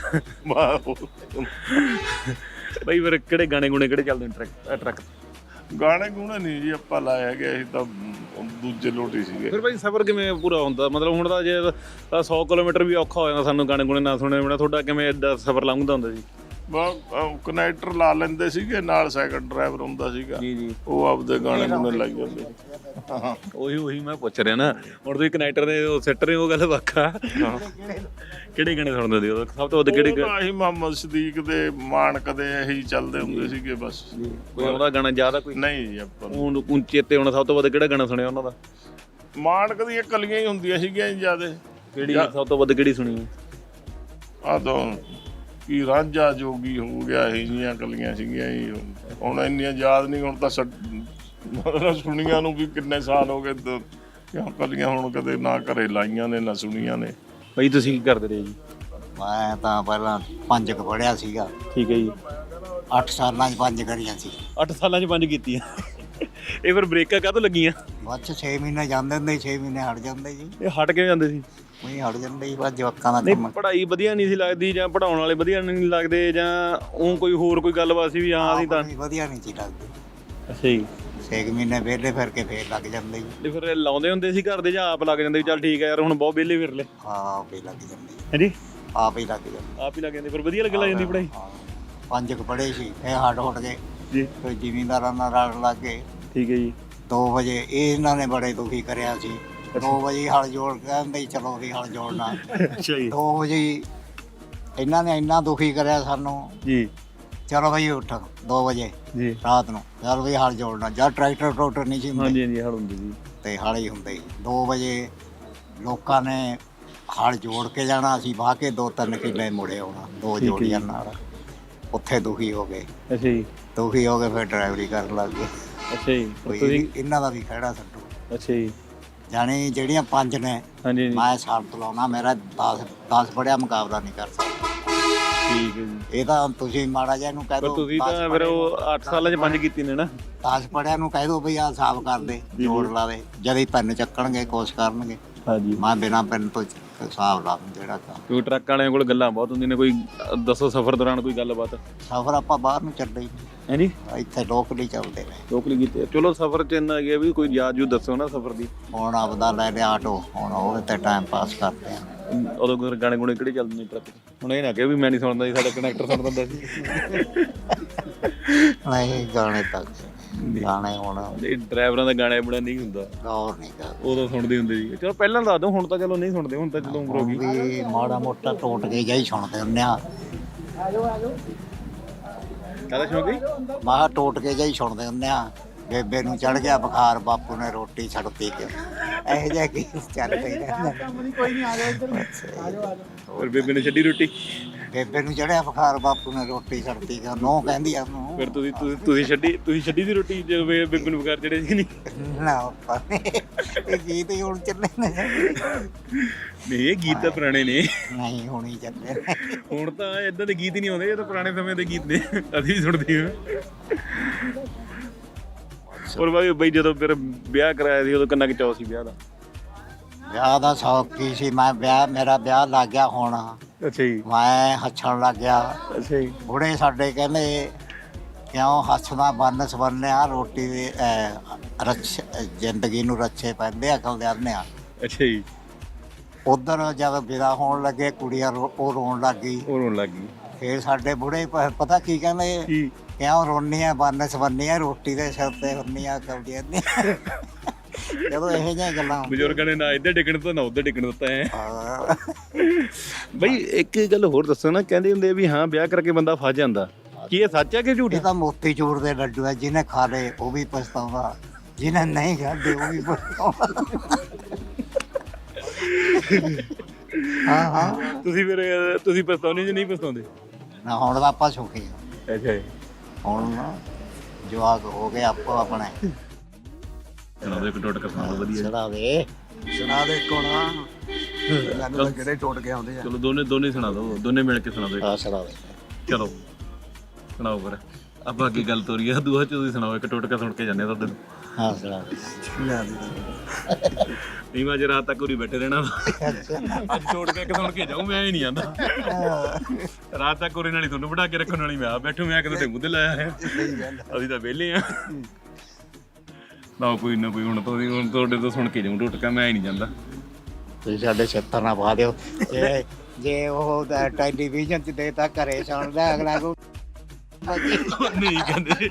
ਬਈ ਫਿਰ ਕਿਹੜੇ ਗਾਣੇ ਗੁਣੇ ਕਿਹੜੇ ਚੱਲਦੇ ਨੇ ਟਰੱਕ? ਗਾਣੇ ਗੂਣੇ ਨਹੀਂ ਜੀ ਆਪਾਂ ਲਾਇਆ ਗਿਆ, ਅਸੀਂ ਤਾਂ ਦੂਜੇ ਲੋਟੀ ਸੀਗੇ। ਫਿਰ ਭਾਈ ਸਫ਼ਰ ਕਿਵੇਂ ਪੂਰਾ ਹੁੰਦਾ? ਮਤਲਬ ਹੁਣ ਤਾਂ ਜੇ 100 ਕਿਲੋਮੀਟਰ ਵੀ ਔਖਾ ਹੋ ਜਾਂਦਾ ਸਾਨੂੰ ਗਾਣੇ ਗੁਣੇ ਨਾ ਸੁਣੇ ਬਿਨਾਂ, ਤੁਹਾਡਾ ਕਿਵੇਂ ਏਦਾਂ ਸਫ਼ਰ ਲੰਘਦਾ ਹੁੰਦਾ ਜੀ? ਕਨੈਕਟਰ ਲਾ ਲੈਂਦੇ ਸੀਗੇ, ਨਾਲ ਸੈਕੰਡ ਡਰਾਈਵਰ ਹੁੰਦਾ ਸੀਗਾ ਜੀ, ਉਹ ਆਪਦੇ ਗਾਣੇ ਗੁਣੇ ਲਾਈ ਜਾਂਦੇ। ਉਹੀ ਮੈਂ ਪੁੱਛ ਰਿਹਾ ਨਾ, ਹੁਣ ਤੁਸੀਂ ਕਨੈਕਟਰ ਦੇ ਉਹ ਸਿੱਟ ਰਹੇ ਹੋ, ਗੱਲ ਵੱਖਾ। ਕਿਹੜੇ ਗਾਣੇ ਸੁਣਦੇ ਸੀ ਉਦੋਂ ਸਭ ਤੋਂ ਵੱਧ? ਕਿਹੜੇ? ਆਹੀ ਮੁਹੰਮਦ ਸਦੀਕ ਦੇ, ਮਾਨਕ ਦੇ, ਇਹੀ ਚੱਲਦੇ ਹੁੰਦੇ ਸੀਗੇ ਬਸ। ਕੋਈ ਉਹਦਾ ਗਾਣਾ ਜ਼ਿਆਦਾ ਕੋਈ ਨਹੀਂ ਜੀ ਆਪਾਂ ਹੁਣ ਚੇਤੇ ਹੁਣ ਸਭ ਤੋਂ ਵੱਧ ਕਿਹੜਾ ਗਾਣਾ ਸੁਣਿਆ ਉਹਨਾਂ ਦਾ? ਮਾਨਕ ਦੀਆਂ ਕਲੀਆਂ ਹੀ ਹੁੰਦੀਆਂ ਸੀਗੀਆਂ ਜੀ ਜ਼ਿਆਦਾ। ਕਿਹੜੀ ਸਭ ਤੋਂ ਵੱਧ ਕਿਹੜੀ ਸੁਣੀ? ਆ ਤਾਂ ਕੀ ਰਾਂਝਾ ਜੋਗੀ ਹੋ ਗਿਆ, ਇਹ ਜੀਆਂ ਕਲੀਆਂ ਸੀਗੀਆਂ ਜੀ, ਹੁਣ ਇੰਨੀਆਂ ਯਾਦ ਨਹੀਂ। ਹੁਣ ਤਾਂ ਮਤਲਬ ਸੁਣੀਆਂ ਨੂੰ ਵੀ ਕਿੰਨੇ ਸਾਲ ਹੋ ਗਏ, ਕਿਉਂ ਕਲੀਆਂ ਹੁਣ ਕਦੇ ਨਾ ਘਰੇ ਲਾਈਆਂ ਨੇ ਨਾ ਸੁਣੀਆਂ ਨੇ। ਬਈ ਤੁਸੀਂ ਕੀ ਕਰਦੇ ਰਹੇ ਜੀ? ਮੈਂ ਤਾਂ ਪਹਿਲਾਂ 5 ਕੁ ਪੜ੍ਹਿਆ ਸੀਗਾ। ਠੀਕ ਹੈ ਜੀ। 8 ਸਾਲਾਂ 'ਚ 5 ਕਰੀਆਂ ਸੀ। 8 ਸਾਲਾਂ 'ਚ 5 ਕੀਤੀਆਂ। ਇਹ ਫਿਰ ਬ੍ਰੇਕਾਂ ਕਾਹਤੋਂ ਲੱਗੀਆਂ? ਬਸ 6 ਮਹੀਨੇ ਜਾਂਦੇ ਹੁੰਦੇ, 6 ਮਹੀਨੇ ਹਟ ਜਾਂਦੇ ਜੀ। ਇਹ ਹਟ ਕੇ ਜਾਂਦੇ ਸੀ? ਉਹੀ ਹਟ ਜਾਂਦੇ ਸੀ, ਬਸ ਜਵਾਕਾਂ ਦਾ ਨਹੀਂ ਕੰਮ। ਪੜ੍ਹਾਈ ਵਧੀਆ ਨਹੀਂ ਸੀ ਲੱਗਦੀ, ਜਾਂ ਪੜ੍ਹਾਉਣ ਵਾਲੇ ਵਧੀਆ ਨਹੀਂ ਲੱਗਦੇ, ਜਾਂ ਉਹ ਕੋਈ ਹੋਰ ਕੋਈ ਗੱਲਬਾਤ ਸੀ ਵੀ ਹਾਂ ਅਸੀਂ ਤਾਂ ਵਧੀਆ ਨਹੀਂ ਸੀ ਲੱਗਦੀ। ਅੱਛਾ ਜੀ। 6 ਮਹੀਨੇ ਵਿਹਲੇ ਫਿਰ ਕੇ ਫੇਰ ਲੱਗ ਜਾਂਦੇ ਜੀ। ਤੇ ਫਿਰ ਲਾਉਂਦੇ ਹੁੰਦੇ ਸੀ ਘਰ ਦੇ, ਜਾਂ ਆਪ ਲੱਗ ਜਾਂਦੇ? ਚੱਲ ਠੀਕ ਹੈ ਯਾਰ, ਹੁਣ ਬਹੁਤ ਵਿਹਲੇ ਫਿਰ ਲੈ। ਹਾਂ ਆਪ ਹੀ ਲੱਗ ਜਾਂਦੇ, ਹਾਂਜੀ ਆਪ ਹੀ ਲੱਗ ਜਾਂਦੇ। ਆਪ ਹੀ ਲੱਗ ਜਾਂਦੇ, ਫਿਰ ਵਧੀਆ ਲੱਗ ਜਾਂਦੀ ਪੜ੍ਹਾਈ। 5 ਕੁ ਪੜ੍ਹੇ ਸੀ, ਇਹ ਹਟ ਉੱਠ ਗਏ ਜੀ, ਕੋਈ ਜ਼ਿਮੀਂਦਾਰਾਂ ਨਾਲ ਰਲ ਲੱਗ ਗਏ। ਠੀਕ ਹੈ ਜੀ। 2 ਵਜੇ ਇਹਨਾਂ ਨੇ ਬੜੇ ਦੁਖੀ ਕਰਿਆ ਸੀ। 2 ਵਜੇ ਹਲ ਜੋੜ ਕਹਿੰਦੇ ਚਲੋ ਵੀ ਹਲ ਜੋੜਨਾ। ਅੱਛਾ ਜੀ। 2 ਵਜੇ ਇਹਨਾਂ ਨੇ ਇੰਨਾ ਦੁਖੀ ਕਰਿਆ ਸਾਨੂੰ ਜੀ, ਚਲੋ ਬਈ ਉੱਠ 2 ਵਜੇ ਜੀ ਰਾਤ ਨੂੰ, ਚਲ ਵੀ ਹਲ ਜੋੜਨਾ। ਜਦ ਟਰੈਕਟਰ ਨਹੀਂ ਸੀ ਹੁੰਦੇ, ਹਾਂਜੀ ਹਾਂਜੀ ਹਲ ਹੁੰਦੀ ਸੀ ਤੇ ਹਲ ਹੀ ਹੁੰਦੇ ਸੀ। 2 ਵਜੇ ਲੋਕਾਂ ਨੇ ਹਲ ਜੋੜ ਕੇ ਜਾਣਾ, ਅਸੀਂ ਵਾਹ ਕੇ 2-3 ਕਿੱਲੇ ਮੁੜੇ ਆਉਣਾ 2 ਜੋੜੀਆਂ ਨਾਲ। ਉੱਥੇ ਦੁਖੀ ਹੋ ਗਏ। ਅੱਛਾ ਜੀ। ਦੁਖੀ ਹੋ ਕੇ ਫਿਰ ਡਰਾਈਵਰੀ ਕਰਨ ਲੱਗ ਗਏ। ਅੱਛਾ ਜੀ। ਕੋਈ ਇਹਨਾਂ ਦਾ ਵੀ ਖਹਿੜਾ ਛੱਡੋ। ਅੱਛਾ ਜੀ। ਜਾਣੀ ਜਿਹੜੀਆਂ 5 ਨੇ ਹਾਂਜੀ ਮੈਂ ਸ਼ਰਤ ਲਾਉਣਾ, ਮੇਰਾ 10 ਪੜਿਆ ਮੁਕਾਬਲਾ ਨਹੀਂ ਕਰ ਸਕਦਾ। ਠੀਕ ਹੈ ਜੀ। ਇਹ ਤਾਂ ਤੁਸੀਂ ਮਾੜਾ ਜਿਹਾ ਇਹਨੂੰ ਕਹਿ ਪਰ ਦਿਓ, ਤੁਸੀਂ ਤਾਂ ਫਿਰ ਉਹ 8 ਸਾਲਾਂ 'ਚ 5 ਕੀਤੀ ਨੇ ਨਾ। 10 ਪੜਿਆ ਨੂੰ ਕਹਿ ਦਿਓ ਬਈ ਆਹ ਹਿਸਾਬ ਕਰ ਦੇ, ਜੋੜ ਲਾ ਦੇ। ਜਦ ਹੀ ਪੈਨ ਚੱਕਣਗੇ ਕੋਸ਼ਿਸ਼ ਕਰਨਗੇ, ਹਾਂਜੀ ਮੈਂ ਬਿਨਾਂ ਪੈਨ ਤੋਂ ਹਿਸਾਬ ਲਾ ਦੂੰ ਜਿਹੜਾ ਕੰਮ। ਕਿਉਂਕਿ ਟਰੱਕ ਵਾਲਿਆਂ ਕੋਲ ਗੱਲਾਂ ਬਹੁਤ ਹੁੰਦੀਆਂ ਨੇ। ਕੋਈ ਦੱਸੋ ਸਫ਼ਰ ਦੌਰਾਨ ਕੋਈ ਗੱਲਬਾਤ? ਸਫ਼ਰ ਆਪਾਂ ਬਾਹਰ ਨੂੰ ਚੱਲਦੇ ਹੀ ਹਾਂਜੀ, ਨਹੀਂ, ਇੱਥੇ ਲੋਕਲ ਹੀ ਚੱਲਦੇ ਨੇ। ਲੋਕਲੀ ਕੀਤੇ। ਚਲੋ ਸਫ਼ਰ 'ਚ ਇੰਨਾ ਗਿਆ ਵੀ ਕੋਈ ਯਾਦ ਜੂ ਦੱਸੋ ਨਾ ਸਫ਼ਰ ਦੀ। ਹੁਣ ਆਪਦਾ ਲੈ ਲਿਆ ਆਟੋ, ਹੁਣ ਉਹਦੇ ਤੇ ਟਾਈਮ ਪਾਸ ਕਰਦੇ ਆ। ਉਦੋਂ ਕੋਈ ਗਾਣੇ ਗੁਣੇ ਕਿਹੜੇ ਚੱਲਦੇ ਨੇ ਟਰੱਕ 'ਚ? ਹੁਣ ਇਹ ਨਾ ਕਿ ਵੀ ਮੈਂ ਨਹੀਂ ਸੁਣਦਾ ਸੀ, ਸਾਡਾ ਕਨੈਕਟਰ ਸੁਣਦਾ ਹੁੰਦਾ ਸੀ। ਨਹੀਂ ਗਾਣੇ ਤੱਕ ਗਾਣੇ ਹੁਣ ਇਹ ਡਰਾਈਵਰਾਂ ਦਾ ਗਾਣੇ ਬੜਾ ਨਹੀਂ ਹੁੰਦਾ, ਗੌਰ ਨਹੀਂ ਕਰਦੇ। ਉਦੋਂ ਸੁਣਦੇ ਹੁੰਦੇ ਸੀ। ਚਲੋ ਪਹਿਲਾਂ ਦੱਸ ਦਿਓ, ਹੁਣ ਤਾਂ ਚਲੋ ਨਹੀਂ ਸੁਣਦੇ, ਹੁਣ ਤਾਂ ਚਲੋ ਉਮਰ ਹੋ ਗਈ। ਵੀ ਮਾੜਾ ਮੋਟਾ ਟੋਟ ਕੇ ਜਾਈ ਸੁਣਦੇ ਹੁੰਦੇ ਆ। ਕਾਹਦਾ ਸ਼ੌਕ ਹੈ? ਮਾਹ ਟੋਟ ਕੇ ਜਾਈ ਸੁਣਦੇ ਹੁੰਦੇ ਆ। ਬੇਬੇ ਨੂੰ ਚੜ ਗਿਆ ਬੁਖਾਰ, ਬਾਪੂ ਨੇ ਰੋਟੀ ਛੱਡਤੀ ਕਿ ਇਹੋ ਜਿਹਾ ਕੀ ਚੱਲ ਪਈ ਰਹਿੰਦਾ। ਫਿਰ ਬੇਬੇ ਨੇ ਛੱਡੀ ਰੋਟੀ? ਬੇਬੇ ਨੂੰ ਚੜਿਆ ਬੁਖਾਰ, ਬਾਪੂ ਨੇ ਰੋਟੀ ਛੱਡਤੀ ਕਿ ਨੋ ਕਹਿੰਦੀ ਆ ਉਹਨੂੰ। ਫਿਰ ਤੁਸੀਂ ਛੱਡੀ ਸੀ ਰੋਟੀ ਜਦੋਂ ਬੇਬੇ ਨੂੰ ਬੁਖਾਰ ਚੜਿਆ ਸੀ? ਨਹੀਂ ਨਾ ਇਹ ਗੀਤ ਹੀ ਹੁਣ ਚੱਲੇ ਨੇ। ਨਹੀਂ ਇਹ ਗੀਤ ਤਾਂ ਪੁਰਾਣੇ ਨੇ। ਨਹੀਂ ਹੁਣ ਹੀ ਚੱਲੇ। ਹੁਣ ਤਾਂ ਇਦਾਂ ਦੇ ਗੀਤ ਹੀ ਨਹੀਂ ਆਉਂਦੇ, ਇਹ ਤਾਂ ਪੁਰਾਣੇ ਸਮੇਂ ਦੇ ਗੀਤ ਨੇ, ਅਸੀਂ ਵੀ ਸੁਣਦੇ ਹਾਂ। ਹੋਰ ਬਈ ਜਦੋਂ ਫਿਰ ਵਿਆਹ ਕਰਾਇਆ ਸੀ ਉਦੋਂ ਕਿੰਨਾ ਕੁ ਚਾਅ ਸੀ ਵਿਆਹ ਦਾ? ਵਿਆਹ ਦਾ ਸ਼ੌਕ ਕੀ ਸੀ, ਮੇਰਾ ਵਿਆਹ ਲੱਗ ਗਿਆ ਹੁਣ। ਅੱਛਾ ਜੀ। ਮੈਂ ਹੱਛਣ ਲੱਗ ਗਿਆ। ਅੱਛਾ ਜੀ। ਬੁੜੇ ਸਾਡੇ ਕਹਿੰਦੇ ਕਿਉਂ ਹੱਸਦਾ ਬੰਨ ਸਵਰਨਿਆ ਰੋਟੀ ਦੇ ਜ਼ਿੰਦਗੀ ਨੂੰ ਰੱਛੇ ਪੈਂਦੇ ਅਕਲ ਦੇ ਆ। ਅੱਛਾ ਜੀ। ਉਧਰ ਜਦ ਵਿਦਾ ਹੋਣ ਲੱਗੇ ਕੁੜੀਆਂ ਉਹ ਰੋਣ ਲੱਗ ਗਈ। ਉਹ ਰੋਣ ਲੱਗ ਗਈ। ਫੇਰ ਸਾਡੇ ਬੁੜੇ ਪਤਾ ਕੀ ਕਹਿੰਦੇ, ਕਿਉਂ ਰੋਣੀ ਆ ਬੰਨ ਸਵਰਨੀ ਆ ਰੋਟੀ ਦੇ ਸਿਰ ਤੇ ਹੁੰਨੀ ਆ ਅਕਲ ਦੀ ਨਹੀਂ। ਜਦੋਂ ਇਹੋ ਜਿਹੀਆਂ ਗੱਲਾਂ ਬਜ਼ੁਰਗਾਂ ਨੇ ਨਾ ਇੱਧਰ ਡਿੱਗਣ ਦਿੱਤਾ ਨਾ ਉੱਧਰ ਡਿੱਗਣ ਦਿੱਤਾ ਹੈ। ਬਈ ਇੱਕ ਗੱਲ ਹੋਰ ਦੱਸੋ ਨਾ, ਕਹਿੰਦੇ ਹੁੰਦੇ ਵੀ ਹਾਂ ਵਿਆਹ ਕਰਕੇ ਬੰਦਾ ਫਸ ਜਾਂਦਾ, ਕੀ ਇਹ ਸੱਚ ਹੈ ਕਿ ਝੂਠ? ਇਹ ਤਾਂ ਮੋਤੀ ਚੂਰ ਦੇ ਲੱਡੂ ਆ, ਜਿਹਨੇ ਖਾ ਲਏ ਉਹ ਵੀ ਪਛਤਾਉਂਦਾ, ਜਿਹਨੇ ਨਹੀਂ ਖਾਦੇ ਉਹ ਵੀ ਪਛਤਾਉਂਦਾ। ਹਾਂ ਤੁਸੀਂ ਪਛਤਾਉਂਦੇ ਜਾਂ ਨਹੀਂ ਪਛਤਾਉਂਦੇ? ਨਾ ਹੁਣ ਤਾਂ ਆਪਾਂ ਸੁਖੀ ਆ। ਅੱਛਾ ਜੀ। ਹੁਣ ਜਵਾਕ ਹੋ ਗਏ ਆਪੋ ਆਪਣੇ। ਸੁਣਾ ਦਿਓ ਇੱਕ ਟੋਟਕਾ, ਸੁਣਾ ਦਿਓ ਵਧੀਆ। ਸੁਣਾ ਦੇ ਕੋਣਾ ਕਿਹੜੇ ਟੁੱਟ ਕੇ ਆਉਂਦੇ ਆ। ਚਲੋ ਦੋਨੇ ਸੁਣਾ ਦਿਓ, ਦੋਨੇ ਮਿਲ ਕੇ ਸੁਣਾ ਦਿਓ। ਹਾਂ ਸੁਣਾ ਦੇ। ਚਲੋ ਸੁਣਾਓ ਫਿਰ, ਆਪਾਂ ਅੱਗੇ ਗੱਲ ਤੋਰੀ ਆ ਦੂਆ ਚ ਤੁਸੀਂ ਸੁਣਾਓ ਇੱਕ ਟੋਟਕਾ ਸੁਣ ਕੇ ਜਾਂਦੇ ਤੁਹਾਡੇ। ਹਾਂ ਸੁਣਾ ਦੇ। ਨਹੀਂ ਮੈਂ ਅੱਜ ਰਾਤ ਤੱਕ ਉਰੀ ਬੈਠੇ ਰਹਿਣਾ, ਅੱਜ ਟੋਟਕਾ ਇੱਕ ਸੁਣ ਕੇ ਜਾਊਂ, ਮੈਂ ਹੀ ਨਹੀਂ ਆਂਦਾ। ਰਾਤ ਤੱਕ ਉਰੇ ਨਾਲ ਹੀ ਤੁਹਾਨੂੰ ਬਿਠਾ ਕੇ ਰੱਖਣ ਵਾਲੀ ਮੈਂ ਆ ਬੈਠੂ, ਮੈਂ ਕਿਤੇ ਮੂੰਹ ਤੇ ਲਾਇਆ ਹੈ। ਅਸੀਂ ਤਾਂ ਵਿਹਲੇ ਆ ਨਾ, ਕੋਈ ਨਾ ਕੋਈ ਹੁਣ ਤੁਹਾਡੇ ਤੋਂ ਸੁਣ ਕੇ ਜਾਊਂ ਟੋਟਕਾ, ਮੈਂ ਹੀ ਨਹੀਂ ਜਾਂਦਾ। ਤੁਸੀਂ ਸਾਡੇ ਛੱਤਰ ਨਾ ਪਾ ਦਿਓ। ਜੇ ਉਹ ਟੈਲੀਵਿਜ਼ਨ 'ਚ ਦੇਤਾ ਘਰੇ ਸੁਣਦਾ ਅਗਲਾ ਕੋ ਨਹੀਂ ਕਹਿੰਦੇ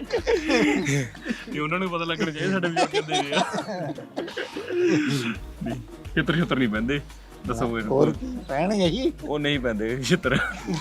ਕਿ ਉਹਨਾਂ ਨੂੰ ਪਤਾ ਲੱਗਣਾ ਚਾਹੀਦਾ ਸਾਡੇ ਵੀ ਕਹਿੰਦੇ ਨੇ ਛਿੱਤਰ ਨਹੀਂ ਪੈਂਦੇ। ਦੱਸੋ ਹੋਰ ਪੈਣਗੇ ਜੀ? ਉਹ ਨਹੀਂ ਪੈਂਦੇ ਛਿੱਤਰ।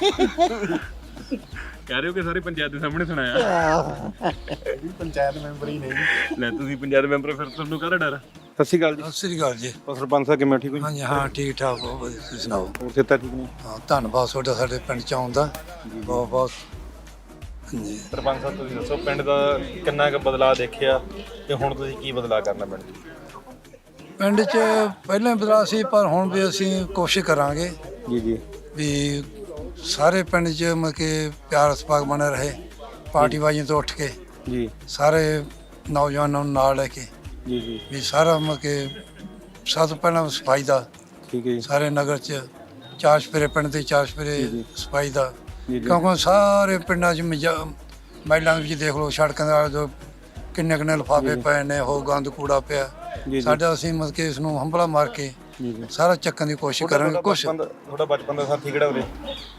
ਕਹਿ ਰਹੇ ਹੋ ਕਿ ਸਾਰੇ ਪੰਚਾਇਤ ਦੇ ਸਾਹਮਣੇ ਸੁਣਾਇਆ? ਪੰਚਾਇਤ ਮੈਂਬਰ ਹੀ ਨਹੀਂ। ਲੈ ਤੁਸੀਂ ਪੰਚਾਇਤ ਮੈਂਬਰ, ਫਿਰ ਤੁਹਾਨੂੰ ਕਾਹਦਾ ਡਰ? ਸਤਿ ਸ਼੍ਰੀ ਅਕਾਲ ਜੀ। ਸਤਿ ਸ੍ਰੀ ਅਕਾਲ ਜੀ। ਹੋਰ ਸਰਪੰਚ ਸਾਹਿਬ ਕਿਵੇਂ, ਠੀਕ ਹੋ ਜੀ? ਹਾਂਜੀ ਹਾਂ ਠੀਕ ਠਾਕ, ਬਹੁਤ ਵਧੀਆ। ਤੁਸੀਂ ਸੁਣਾਓ? ਹੋਰ ਸਿਹਤਾਂ ਠੀਕ ਨੇ? ਹਾਂ ਧੰਨਵਾਦ ਤੁਹਾਡਾ ਸਾਡੇ ਪਿੰਡ ਚ ਆਉਣ ਦਾ, ਬਹੁਤ ਬਹੁਤ। ਹਾਂਜੀ ਸਰਪੰਚ ਸਾਹਿਬ ਤੁਸੀਂ ਦੱਸੋ, ਪਿੰਡ ਦਾ ਕਿੰਨਾ ਕੁ ਬਦਲਾਅ ਦੇਖਿਆ ਤੇ ਹੁਣ ਤੁਸੀਂ ਕੀ ਬਦਲਾਅ ਕਰਨਾ ਪਿੰਡ 'ਚ? ਪਿੰਡ ਚ ਪਹਿਲਾਂ ਬਦਲਾਅ ਸੀ, ਪਰ ਹੁਣ ਵੀ ਅਸੀਂ ਕੋਸ਼ਿਸ਼ ਕਰਾਂਗੇ ਜੀ ਵੀ ਸਾਰੇ ਪਿੰਡ ਚ ਮਤਲਬ ਕਿ ਪਿਆਰ ਸਪਾਕ ਬਣਿਆ ਰਹੇ, ਪਾਰਟੀਬਾਜ਼ੀ ਤੋਂ ਉੱਠ ਕੇ ਜੀ ਸਾਰੇ ਨੌਜਵਾਨਾਂ ਨੂੰ ਨਾਲ ਲੈ ਕੇ ਜੀ ਵੀ ਸਾਰਾ ਮਤਲਬ ਕਿ ਸਭ ਤੋਂ ਪਹਿਲਾਂ ਸਫਾਈ ਦਾ, ਠੀਕ ਹੈ ਜੀ। ਸਾਰੇ ਨਗਰ ਚ ਚਾਰ ਚੁਫੇਰੇ ਪਿੰਡ ਦੇ ਚਾਰ ਚੁਫੇਰੇ ਸਫਾਈ ਦਾ, ਜੀ ਕਿਉਂਕਿ ਸਾਰੇ ਪਿੰਡਾਂ 'ਚ ਮਹਿਲਾਂ ਦੇ ਵਿੱਚ ਦੇਖ ਲਓ, ਸੜਕਾਂ ਦੇ ਆਲੇ ਕਿੰਨੇ ਲਿਫਾਫੇ ਪਏ ਨੇ, ਉਹ ਗੰਦ ਕੂੜਾ ਪਿਆ ਸਾਡਾ। ਅਸੀਂ ਮਤਲਬ ਕਿ ਇਸ ਨੂੰ ਹੰਭਲਾ ਮਾਰ ਕੇ ਸਾਰਾ ਚੱਕਣ ਦੀ ਕੋਸ਼ਿਸ਼ ਕਰਾਂਗੇ। ਕੁਛ ਤੁਹਾਡਾ ਬਚਪਨ ਦਾ ਸਾਥੀ ਕਿਹੜਾ ਉਰੇ?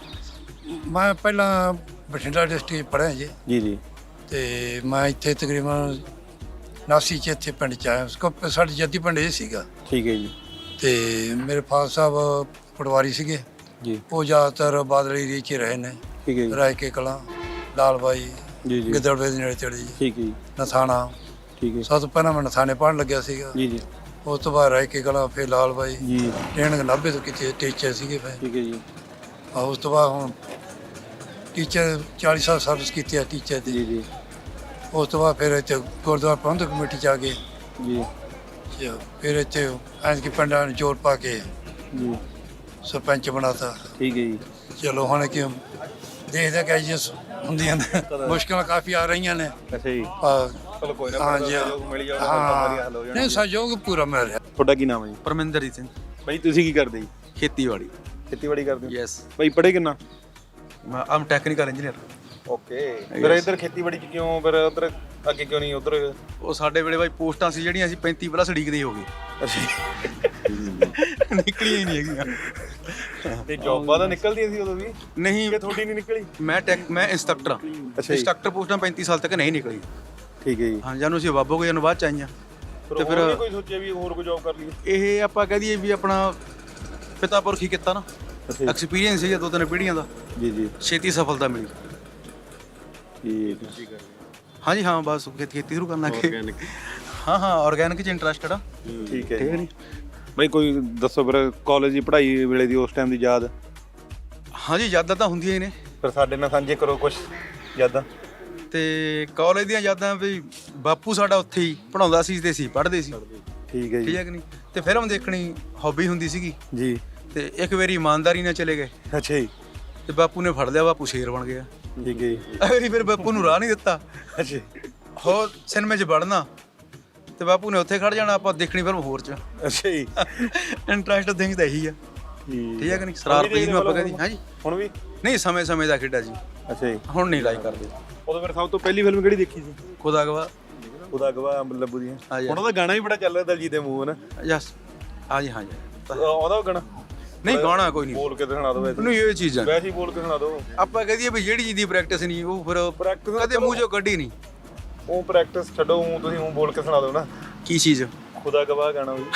ਮੈਂ ਪਹਿਲਾਂ ਬਠਿੰਡਾ ਡਿਸਟ੍ਰਿਕਟ ਪੜ੍ਹਿਆ ਜੀ ਤੇ ਮੈਂ ਇੱਥੇ ਤਕਰੀਬਨ 89 ਚ ਇੱਥੇ ਪਿੰਡ 'ਚ ਆਇਆ। ਸਾਡੀ ਜੱਦੀ ਪਿੰਡ ਇਹ ਸੀਗਾ, ਠੀਕ ਹੈ ਜੀ। ਤੇ ਮੇਰੇ ਫਾਦਰ ਸਾਹਿਬ ਪਟਵਾਰੀ ਸੀਗੇ ਜੀ, ਉਹ ਜ਼ਿਆਦਾਤਰ ਬਾਦਲ ਏਰੀਏ 'ਚ ਰਹੇ ਨੇ, ਠੀਕ ਹੈ ਜੀ। ਰਾਏ ਕੇ ਕਲਾਂ, ਲਾਲ ਬਾਈ, ਜੀ ਗਿੱਦੜਵੇ ਦੇ ਨੇੜੇ ਤੇੜੇ ਜੀ, ਠੀਕ ਹੈ ਜੀ, ਨਥਾਣਾ। ਠੀਕ ਹੈ ਸਭ ਤੋਂ ਪਹਿਲਾਂ ਮੈਂ ਨਥਾਣੇ ਪੜ੍ਹਨ ਲੱਗਿਆ ਸੀਗਾ, ਜੀ ਉਸ ਤੋਂ ਬਾਅਦ ਰਾਏ ਕੇ ਕਲਾਂ, ਫਿਰ ਲਾਲ ਬਾਈ ਜੀ, ਟ੍ਰੇਨਿੰਗ 90 ਤੋਂ ਕਿਤੇ ਟੀਚਰ ਸੀਗੇ ਫਿਰ। ਠੀਕ ਹੈ ਜੀ। ਉਸ ਤੋਂ ਬਾਅਦ ਹੁਣ ਟੀਚਰ 40 ਸਾਲ ਸਰਵਿਸ ਕੀਤੀ ਹੈ ਟੀਚਰ ਦੀ। ਜੀ ਉਸ ਤੋਂ ਬਾਅਦ ਫਿਰ ਇੱਥੇ ਗੁਰਦੁਆਰਾ ਪ੍ਰਬੰਧਕ ਕਮੇਟੀ 'ਚ ਆ ਗਏ ਜੀ, ਫਿਰ ਇੱਥੇ ਐਂਜ ਕਿ ਪਿੰਡਾਂ ਨੂੰ ਜੋੜ ਪਾ ਕੇ ਜੀ, ਸਰਪੰਚ ਬਣਾਤਾ। ਠੀਕ ਹੈ ਜੀ। ਚਲੋ ਹੁਣ ਕਿ ਦੇਖਦੇ ਕਿ ਜੀ ਹੁੰਦੀਆਂ ਨੇ, ਮੁਸ਼ਕਲਾਂ ਕਾਫੀ ਆ ਰਹੀਆਂ ਨੇ। ਅੱਛਾ ਜੀ। ਚਲੋ ਕੋਈ ਨਾ, ਹਾਂਜੀ ਮਿਲ ਜਾਊਗਾ, ਸਾਰੀਆਂ ਹੱਲ ਹੋ ਹਾਂ ਜਾਣਗੀਆਂ। ਨਹੀਂ ਸਹਿਯੋਗ ਪੂਰਾ ਮਿਲ ਰਿਹਾ। ਤੁਹਾਡਾ ਕੀ ਨਾਮ ਹੈ ਜੀ? ਪਰਮਿੰਦਰਜੀਤ ਸਿੰਘ। ਬਾਈ ਤੁਸੀਂ ਕੀ ਕਰਦੇ ਜੀ? ਖੇਤੀਬਾੜੀ। ਖੇਤੀਬਾੜੀ ਕਰਦੇ ਹੋ? ਯੈਸ। ਬਾਈ ਪੜ੍ਹੇ ਕਿੰਨਾ? ਆਮ ਟੈਕਨੀਕਲ ਇੰਜੀਨੀਅਰ। ਓਕੇ। ਫਿਰ ਇੱਧਰ ਖੇਤੀਬਾੜੀ ਚ ਕਿਉਂ, ਫਿਰ ਉੱਧਰ ਅੱਗੇ ਕਿਉਂ ਨਹੀਂ ਉੱਧਰ? ਉਹ ਸਾਡੇ ਵੇਲੇ ਬਾਈ ਪੋਸਟਾਂ ਸੀ ਜਿਹੜੀਆਂ ਅਸੀਂ 35 ਪਲੱਸ ਡੀਗਰੀ ਦੇ ਹੋ ਗਏ, ਨਿਕਲੀਆਂ ਹੀ ਨਹੀਂ ਹੈਗੀਆਂ। ਤੇ ਜੌਬਾਂ ਤਾਂ ਨਿਕਲਦੀਆਂ ਸੀ ਉਦੋਂ ਵੀ? ਨਹੀਂ ਕਿ ਤੁਹਾਡੀ ਨਹੀਂ ਨਿਕਲੀ? ਮੈਂ ਇੰਸਟ੍ਰਕਟਰ ਹਾਂ। ਅੱਛਾ ਜੀ। ਇੰਸਟ੍ਰਕਟਰ ਪੋਸਟਾਂ 35 ਸਾਲ ਤੱਕ ਨਹੀਂ ਨਿਕਲੀ। ਠੀਕ ਹੈ ਜੀ। ਹਾਂ, ਜਾਨੂੰ ਅਸੀਂ ਬਾਬੋ ਗਏ ਨੂੰ ਬਾਅਦ ਚ ਆਈਆਂ। ਤੇ ਫਿਰ ਕੋਈ ਸੋਚਿਆ ਵੀ ਹੋਰ ਕੋਈ ਜੌਬ ਕਰ ਲਈਏ? ਇਹ ਆਪਾਂ ਕਹਿ ਦਈਏ ਵੀ ਆਪਣਾ ਪਿਤਾ ਪੁਰਖੀ ਕੀਤਾ ਨਾ, ਐਕਸਪੀਰੀਅੰਸ ਸੀਗਾ 2-3 ਪੀੜ੍ਹੀਆਂ ਦਾ, ਜੀ ਛੇਤੀ ਸਫਲਤਾ ਮਿਲੀ। ਠੀਕ ਹੈ। ਹਾਂਜੀ ਹਾਂ, ਬਸ ਖੇਤੀ ਸ਼ੁਰੂ ਕਰਨਾ ਕਿ ਹਾਂ ਆਰਗੈਨਿਕ 'ਚ ਇੰਟਰਸਟਡ ਆ। ਠੀਕ ਹੈ ਜੀ। ਬਾਈ ਕੋਈ ਦੱਸੋ ਫਿਰ ਕਾਲਜ ਦੀ ਪੜ੍ਹਾਈ ਵੇਲੇ ਦੀ, ਉਸ ਟਾਈਮ ਦੀ ਯਾਦ? ਹਾਂਜੀ ਯਾਦਾਂ ਤਾਂ ਹੁੰਦੀਆਂ ਹੀ ਨੇ। ਫਿਰ ਸਾਡੇ ਨਾਲ ਸਾਂਝੇ ਕਰੋ ਕੁਝ ਯਾਦਾਂ। ਤੇ ਕਾਲਜ ਦੀਆਂ ਯਾਦਾਂ ਵੀ ਬਾਪੂ ਸਾਡਾ ਉੱਥੇ ਹੀ ਪੜ੍ਹਾਉਂਦਾ ਸੀ ਤੇ ਅਸੀਂ ਪੜ੍ਹਦੇ ਸੀ। ਠੀਕ ਹੈ ਜੀ। ਠੀਕ ਹੈ ਕਿ ਨਹੀਂ? ਤੇ ਫਿਲਮ ਦੇਖਣੀ ਹੌਬੀ ਹੁੰਦੀ ਸੀਗੀ ਜੀ। ਤੇ ਇੱਕ ਵਾਰੀ ਇਮਾਨਦਾਰੀ ਨਾਲ ਚਲੇ ਗਏ ਅੱਛਾ ਜੀ। ਤੇ ਬਾਪੂ ਨੇ ਫੜ ਲਿਆ, ਬਾਪੂ ਸ਼ੇਰ ਬਣ ਗਿਆ। ਠੀਕ ਹੈ ਜੀ। ਅਗਲੀ ਫਿਰ ਬਾਪੂ ਨੂੰ ਰਾਹ ਨਹੀਂ ਦਿੱਤਾ, ਅੱਛਾ। ਹੋਰ ਸਿਨੇਮੇ 'ਚ ਵੜਨਾ ਤੇ ਬਾਪੂ ਨੇ ਉੱਥੇ ਖੜ ਜਾਣਾ, ਆਪਾਂ ਦੇਖਣੀ ਫਿਲਮ ਹੋਰ 'ਚ। ਅੱਛਾ ਜੀ। ਇੰਟਰਸਟ ਥਿੰਗ ਤਾਂ ਇਹੀ ਆ। ਠੀਕ ਹੈ ਕਿ ਨਹੀਂ? ਸ਼ਰਾਰਤ ਜਿਹਨੂੰ ਆਪਾਂ ਕਹਿੰਦੇ। ਹਾਂਜੀ ਹੁਣ ਵੀ ਨਹੀਂ, ਸਮੇਂ ਦਾ ਖੇਡਾ ਜੀ। ਅੱਛਾ ਜੀ। ਹੁਣ ਨਹੀਂ ਲਾਈਕ ਕਰਦੇ। ਉਦੋਂ ਫਿਰ ਸਭ ਤੋਂ ਪਹਿਲੀ ਫਿਲਮ ਕਿਹੜੀ ਦੇਖੀ ਸੀ? ਖੁਦਾ ਗਵਾ ਉਹਦਾ ਗਵਾ ਅੰਬ ਲੱਭੂ ਦੀਆਂ। ਹਾਂਜੀ। ਹੁਣ ਉਹਦਾ ਗਾਣਾ ਵੀ ਬੜਾ ਚੱਲ ਰਿਹਾ ਦਲਜੀਤ ਦੇ ਮੂੰਹ ਨਾ। ਯਸ ਹਾਂਜੀ ਹਾਂਜੀ ਉਹਦਾ ਗਾਣਾ ਨਹੀਂ ਗਾਣਾ ਕੋਈ ਨਹੀਂ ਬੋਲ ਕੇ ਸੁਣਾ ਦਿਓ ਵੈਸੇ। ਨਹੀਂ ਇਹ ਚੀਜ਼ਾਂ ਵੈਸੇ ਹੀ ਬੋਲ ਕੇ ਸੁਣਾ ਦਿਓ। ਆਪਾਂ ਕਹਦੇ ਵੀ ਜਿਹੜੀ ਚੀਜ਼ ਦੀ ਪ੍ਰੈਕਟਿਸ ਨਹੀਂ ਉਹ ਫਿਰ ਕਦੇ ਮੂੰਹ ਚੋਂ ਕੱਢੀ ਨਹੀਂ। ਉਹ ਪ੍ਰੈਕਟਿਸ ਛੱਡੋ, ਉਹ ਤੁਸੀਂ ਉਹ ਬੋਲ ਕੇ ਸੁਣਾ ਦਿਓ ਨਾ। ਕੀ ਚੀਜ਼? ਖੁਦਾ ਗਵਾਹ ਗਾਣਾ ਵੀ।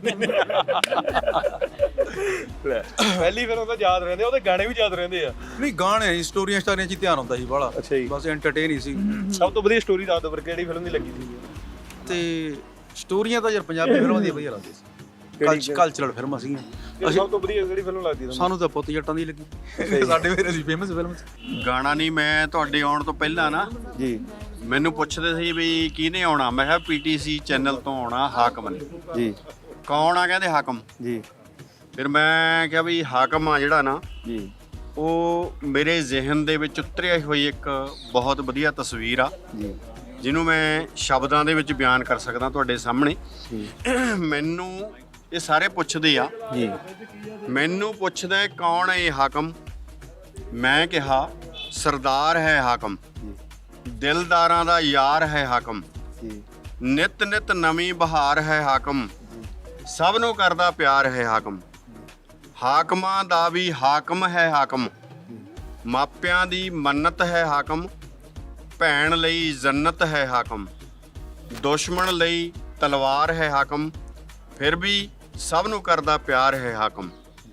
ਪਹਿਲੀ ਫਿਰ ਉਹਦਾ ਯਾਦ ਰਹਿੰਦੇ, ਉਹਦੇ ਗਾਣੇ ਵੀ ਯਾਦ ਰਹਿੰਦੇ ਆ। ਨਹੀਂ ਗਾਣੇ ਸਟੋਰੀਆਂ ਸਟਾਰੀਆਂ 'ਚ ਹੀ ਧਿਆਨ ਹੁੰਦਾ ਸੀ ਬਾਹਲਾ। ਅੱਛਾ ਜੀ। ਬਸ ਐਂਟਰਟੇਨ ਹੀ ਸੀ। ਸਭ ਤੋਂ ਵਧੀਆ ਸਟੋਰੀ ਦੱਸ ਦਿਓ ਫਿਰ ਕਿਹੜੀ ਫਿਲਮ ਦੀ ਲੱਗੀ ਸੀ? ਤੇ ਸਟੋਰੀਆਂ ਤਾਂ ਯਾਰ ਪੰਜਾਬੀ ਫਿਲਮਾਂ ਦੀਆਂ ਵਧੀਆ ਲੱਗਦੀਆਂ ਸੀ, ਕਲਚਰਲ ਫਿਲਮਾਂ ਸੀਗੀਆਂ। ਸਭ ਤੋਂ ਵਧੀਆ ਕਿਹੜੀ ਫਿਲਮ ਲੱਗਦੀ ਤੁਹਾਨੂੰ? ਸਾਨੂੰ ਤਾਂ ਪੁੱਤ ਜੱਟਾਂ ਦੀ ਲੱਗੀ। ਸਾਡੇ ਮੇਰੇ ਸੀ ਫੇਮਸ ਫਿਲਮ। ਗਾਣਾ ਨਹੀਂ, ਮੈਂ ਤੁਹਾਡੇ ਆਉਣ ਤੋਂ ਪਹਿਲਾਂ ਨਾ ਜੀ ਮੈਨੂੰ ਪੁੱਛਦੇ ਸੀ ਵੀ ਕਿਹਨੇ ਆਉਣਾ। ਮੈਂ ਕਿਹਾ ਪੀਟੀਸੀ ਚੈਨਲ ਤੋਂ ਆਉਣਾ ਹਾਕਮ ਨੇ। ਜੀ ਕੌਣ ਆ? ਕਹਿੰਦੇ ਹਾਕਮ। ਜੀ ਫਿਰ ਮੈਂ ਕਿਹਾ ਵੀ ਹਾਕਮ ਆ ਜਿਹੜਾ ਨਾ, ਜੀ ਉਹ ਮੇਰੇ ਜ਼ਿਹਨ ਦੇ ਵਿੱਚ ਉਤਰਿਆ ਹੋਈ ਇੱਕ ਬਹੁਤ ਵਧੀਆ ਤਸਵੀਰ ਆ ਜੀ ਜਿਹਨੂੰ ਮੈਂ ਸ਼ਬਦਾਂ ਦੇ ਵਿੱਚ ਬਿਆਨ ਕਰ ਸਕਦਾ ਤੁਹਾਡੇ ਸਾਹਮਣੇ। ਮੈਨੂੰ ਇਹ ਸਾਰੇ ਪੁੱਛਦੇ ਆ ਜੀ ਮੈਨੂੰ ਪੁੱਛਦਾ ਕੌਣ ਹੈ ਇਹ ਹਾਕਮ। ਮੈਂ ਕਿਹਾ ਸਰਦਾਰ ਹੈ ਹਾਕਮ, ਦਿਲਦਾਰਾਂ ਦਾ ਯਾਰ ਹੈ ਹਾਕਮ, ਜੀ ਨਿਤ ਨਿਤ ਨਵੀਂ ਬਹਾਰ ਹੈ ਹਾਕਮ, ਸਭ ਨੂੰ ਕਰਦਾ ਪਿਆਰ ਹੈ ਹਾਕਮ, ਹਾਕਮਾਂ ਦਾ ਵੀ ਹਾਕਮ ਹੈ ਹਾਕਮ, ਮਾਪਿਆਂ ਦੀ ਮੰਨਤ ਹੈ ਹਾਕਮ, ਭੈਣ ਲਈ ਜੰਨਤ ਹੈ ਹਾਕਮ, ਦੁਸ਼ਮਣ ਲਈ ਤਲਵਾਰ ਹੈ ਹਾਕਮ, ਫਿਰ ਵੀ ਸਭ ਨੂੰ ਕਰਦਾ ਪਿਆਰ ਹੈ ਹਾਕਮ,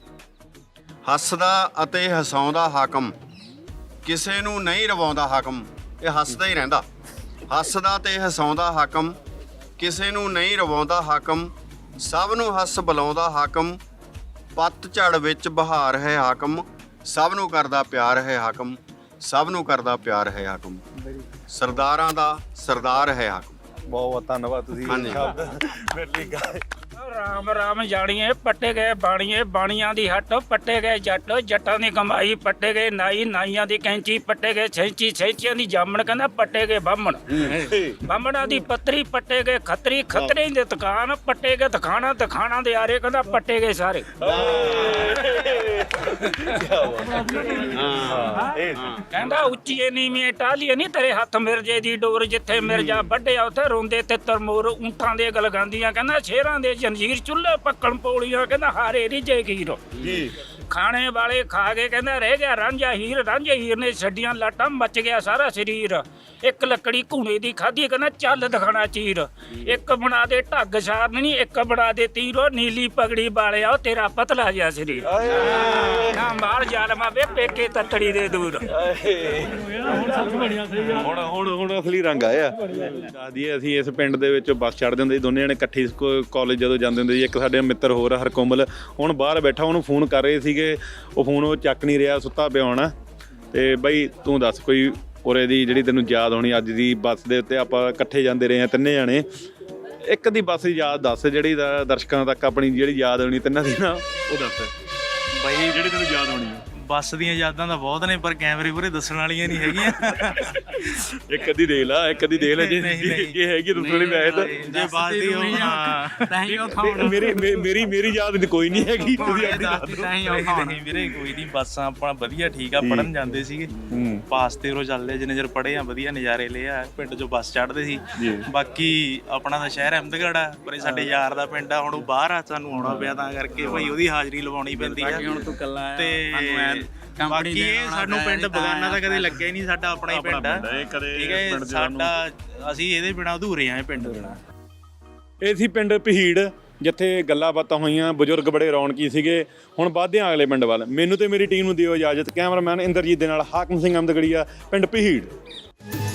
ਹੱਸਦਾ ਅਤੇ ਹਸਾਉਂਦਾ ਹਾਕਮ, ਕਿਸੇ ਨੂੰ ਨਹੀਂ ਰਵਾਉਂਦਾ ਹਾਕਮ। ਇਹ ਹੱਸਦਾ ਹੀ ਰਹਿੰਦਾ, ਹੱਸਦਾ ਤੇ ਹਸਾਉਂਦਾ ਹਾਕਮ, ਕਿਸੇ ਨੂੰ ਨਹੀਂ ਰਵਾਉਂਦਾ ਹਾਕਮ, ਸਭ ਨੂੰ ਹੱਸ ਬੁਲਾਉਂਦਾ ਹਾਕਮ, ਪੱਤਝੜ ਵਿੱਚ ਬਹਾਰ ਹੈ ਹਾਕਮ, ਸਭ ਨੂੰ ਕਰਦਾ ਪਿਆਰ ਹੈ ਹਾਕਮ, ਸਭ ਨੂੰ ਕਰਦਾ ਪਿਆਰ ਹੈ ਹਾਕਮ, ਸਰਦਾਰਾਂ ਦਾ ਸਰਦਾਰ ਹੈ ਹਾਕਮ। ਬਹੁਤ ਧੰਨਵਾਦ ਤੁਸੀਂ ਹਾਂਜੀ। ਸ਼ਬਦ ਮੇਰੇ ਲਈ ਗਾਏ। ਰਾਮ ਰਾਮ ਜਾਣੀਏ ਪੱਟੇ ਗਏ ਬਾਣੀਏ, ਬਾਣੀਆਂ ਦੀ ਹੱਟ ਪੱਟੇ ਗਏ ਜੱਟ, ਜੱਟਾਂ ਦੀ ਕਮਾਈ ਪੱਟੇ ਗਏ ਨਾਈ, ਨਾਈਆਂ ਦੀ ਕੈਂਚੀ ਪੱਟੇ ਗਏ ਛੈਂਚੀ, ਛੈਂਚੀਆਂ ਦੀ ਜਾਮਣ ਕਹਿੰਦਾ ਪੱਟੇ ਗਏ ਬਾਹਮਣ, ਬਾਹਮਣਾਂ ਦੀ ਪੱਤਰੀ ਪੱਟੇ ਗਏ ਖੱਤਰੀ, ਖੱਤਰੀ ਦੇ ਦੁਕਾਨ ਪੱਟੇ ਗਏ ਦਖਾਣਾ, ਦਖਾਣਾ ਦੇ ਆਰੇ ਕਹਿੰਦਾ ਪੱਟੇ ਗਏ ਸਾਰੇ। ਕਹਿੰਦਾ ਉੱਚੀਏ ਨੀਵੀਂ ਟਾਹਲੀਏ ਨਹੀਂ ਤੇਰੇ ਹੱਥ ਮਿਰਜੇ ਦੀ ਡੋਰ, ਜਿੱਥੇ ਮਿਰਜਾ ਵੱਢਿਆ ਉੱਥੇ ਰੋਂਦੇ ਤੇ ਤਰਮੋਰ, ਊਂਠਾਂ ਦੇ ਗਲਗਾਂਦੀਆਂ ਕਹਿੰਦਾ ਸ਼ੇਰਾਂ ਦੇ ਜੰਜੀਰ, ਚੁੱਲ੍ਹੇ ਪੱਕਣ ਪੌਲੀਆਂ ਕਹਿੰਦਾ ਹਾਰੇ ਰਿਜੇ ਖੀਰ ਜੀ, ਖਾਣੇ ਵਾਲੇ ਖਾ ਕੇ ਕਹਿੰਦਾ ਰਹਿ ਗਿਆ ਰਾਂਝਾ ਹੀਰ, ਰਾਂਝੇ ਹੀਰ ਨੇ ਛੱਡੀਆਂ ਲਾਟਾਂ ਮੱਚ ਗਿਆ ਸਾਰਾ ਸਰੀਰ, ਇੱਕ ਲੱਕੜੀ ਘੂਣੇ ਦੀ ਖਾਧੀ ਕਹਿੰਦਾ ਚੱਲ ਦਿਖਾਣਾ ਚੀਰ, ਇੱਕ ਬਣਾ ਦੇ ਢੱਗ ਸਾਰਨੀ, ਇੱਕ ਬਣਾ ਦੇ ਤੀਰੋ, ਨੀਲੀ ਪਗੜੀ ਵਾਲਿਆ ਉਹ ਤੇਰਾ ਪਤਲਾ ਜਿਹਾ ਸਰੀਰ, ਨਾ ਮਾਰ ਜਾਲਮਾ ਵੇ ਪੇਕੇ ਤੱਤੜੀ ਦੇ ਦੂਰ। ਹੁਣ ਅਸਲੀ ਰੰਗ ਆਇਆ। ਦੱਸ ਦਈਏ ਅਸੀਂ ਇਸ ਪਿੰਡ ਦੇ ਵਿੱਚ ਬੱਸ ਚੜ੍ਹਦੇ ਹੁੰਦੇ ਸੀ ਦੋਨੇ ਜਣੇ ਇਕੱਠੇ ਕਾਲਜ ਜਦੋਂ ਜਾਂਦੇ ਹੁੰਦੇ ਸੀ। ਇੱਕ ਸਾਡੇ ਮਿੱਤਰ ਹੋਰ ਹਰਕੋਮਲ ਹੁਣ ਬਾਹਰ ਬੈਠਾ, ਉਹਨੂੰ ਫੋਨ ਕਰ ਰਹੇ ਸੀਗੇ, ਉਹ ਫੋਨ ਉਹ ਚੱਕ ਨਹੀਂ ਰਿਹਾ, ਸੁੱਤਾ ਪਿਆ ਹੋਣਾ। ਤੇ ਬਈ ਤੂੰ ਦੱਸ ਕੋਈ ਉਰੇ ਦੀ ਜਿਹੜੀ ਤੈਨੂੰ ਯਾਦ ਹੋਣੀ ਅੱਜ ਦੀ ਬੱਸ ਦੇ ਉੱਤੇ ਆਪਾਂ ਇਕੱਠੇ ਜਾਂਦੇ ਰਹੇ ਹਾਂ ਤਿੰਨੇ ਜਾਣੇ, ਇੱਕ ਦੀ ਬੱਸ ਦੀ ਯਾਦ ਦੱਸ ਜਿਹੜੀ ਦਰਸ਼ਕਾਂ ਤੱਕ ਆਪਣੀ ਜਿਹੜੀ ਯਾਦ ਹੋਣੀ ਤਿੰਨਾਂ ਦੀ ਨਾ, ਉਹ ਦੱਸ ਬਈ ਜਿਹੜੀ ਤੈਨੂੰ ਯਾਦ ਹੋਣੀ। ਬੱਸ ਦੀਆਂ ਯਾਦਾਂ ਤਾਂ ਬਹੁਤ ਨੇ ਪਰ ਕੈਮਰੇ ਪੂਰੇ ਦੱਸਣ ਵਾਲੀਆਂ ਨਹੀਂ ਹੈਗੀਆਂ। ਇੱਕ ਅੱਧੀ ਦੇਖ ਲਾ, ਇੱਕ ਅੱਧੀ ਦੇਖ ਲੈ ਜੇ ਹੈਗੀ ਦੂਸਰੀ ਮੈਂ ਤਾਂ ਜੇ ਬਾਤ ਦੀ ਹੋ ਮੇਰੀ ਯਾਦ ਕੋਈ ਨਹੀਂ ਹੈਗੀ, ਤੁਸੀਂ ਨਹੀਂ ਵੀਰੇ ਕੋਈ ਨਹੀਂ। ਬੱਸਾਂ ਆਪਣਾ ਵਧੀਆ ਠੀਕ ਆ, ਪੜਨ ਜਾਂਦੇ ਸੀਗੇ, ਪਾਸ ਤੇ ਰੋ ਚੱਲਦੇ ਜਿੰਨੇ ਚਿਰ ਪੜ੍ਹੇ ਆ ਵਧੀਆ ਨਜ਼ਾਰੇ ਲਏ ਆ, ਪਿੰਡ ਚੋਂ ਬੱਸ ਚੜ੍ਹਦੇ ਸੀ। ਬਾਕੀ ਆਪਣਾ ਤਾਂ ਸ਼ਹਿਰ ਅਹਿਮਦਗੜ੍ਹ ਆ, ਪਰ ਇਹ ਸਾਡੇ ਯਾਰ ਦਾ ਪਿੰਡ ਆ, ਹੁਣ ਉਹ ਬਾਹਰ ਆ, ਸਾਨੂੰ ਆਉਣਾ ਪਿਆ ਤਾਂ ਕਰਕੇ ਭਾਈ ਉਹਦੀ ਹਾਜ਼ਰੀ ਲਵਾਉਣੀ ਪੈਂਦੀ ਆ। ਤੇ ਬਾਕੀ ਇਹ ਸਾਨੂੰ ਪਿੰਡ ਬਗਾਨਾ ਤਾਂ ਕਦੇ ਲੱਗਿਆ ਹੀ ਨਹੀਂ, ਸਾਡਾ ਆਪਣਾ ਹੀ ਪਿੰਡ ਆ, ਠੀਕ ਹੈ ਸਾਡਾ, ਅਸੀਂ ਇਹਦੇ ਬਿਨਾਂ ਅਧੂਰੇ ਆ, ਇਹ ਪਿੰਡ ਬਿਨਾਂ। ਇਹ ਸੀ ਪਿੰਡ ਪਹੀੜ, ਜਿੱਥੇ ਗੱਲਾਂ ਬਾਤਾਂ ਹੋਈਆਂ, ਬਜ਼ੁਰਗ ਬੜੇ ਰੌਣਕੀ ਸੀਗੇ। ਹੁਣ ਵੱਧਦੇ ਹਾਂ ਅਗਲੇ ਪਿੰਡ ਵੱਲ। ਮੈਨੂੰ ਤੇ ਮੇਰੀ ਟੀਮ ਨੂੰ ਦਿਓ ਇਜਾਜ਼ਤ। ਕੈਮਰਾਮੈਨ ਇੰਦਰਜੀਤ ਦੇ ਨਾਲ ਹਾਕਮ ਸਿੰਘ ਅਹਿਮਦਗੜੀਆ, ਪਿੰਡ ਪਹੀੜ।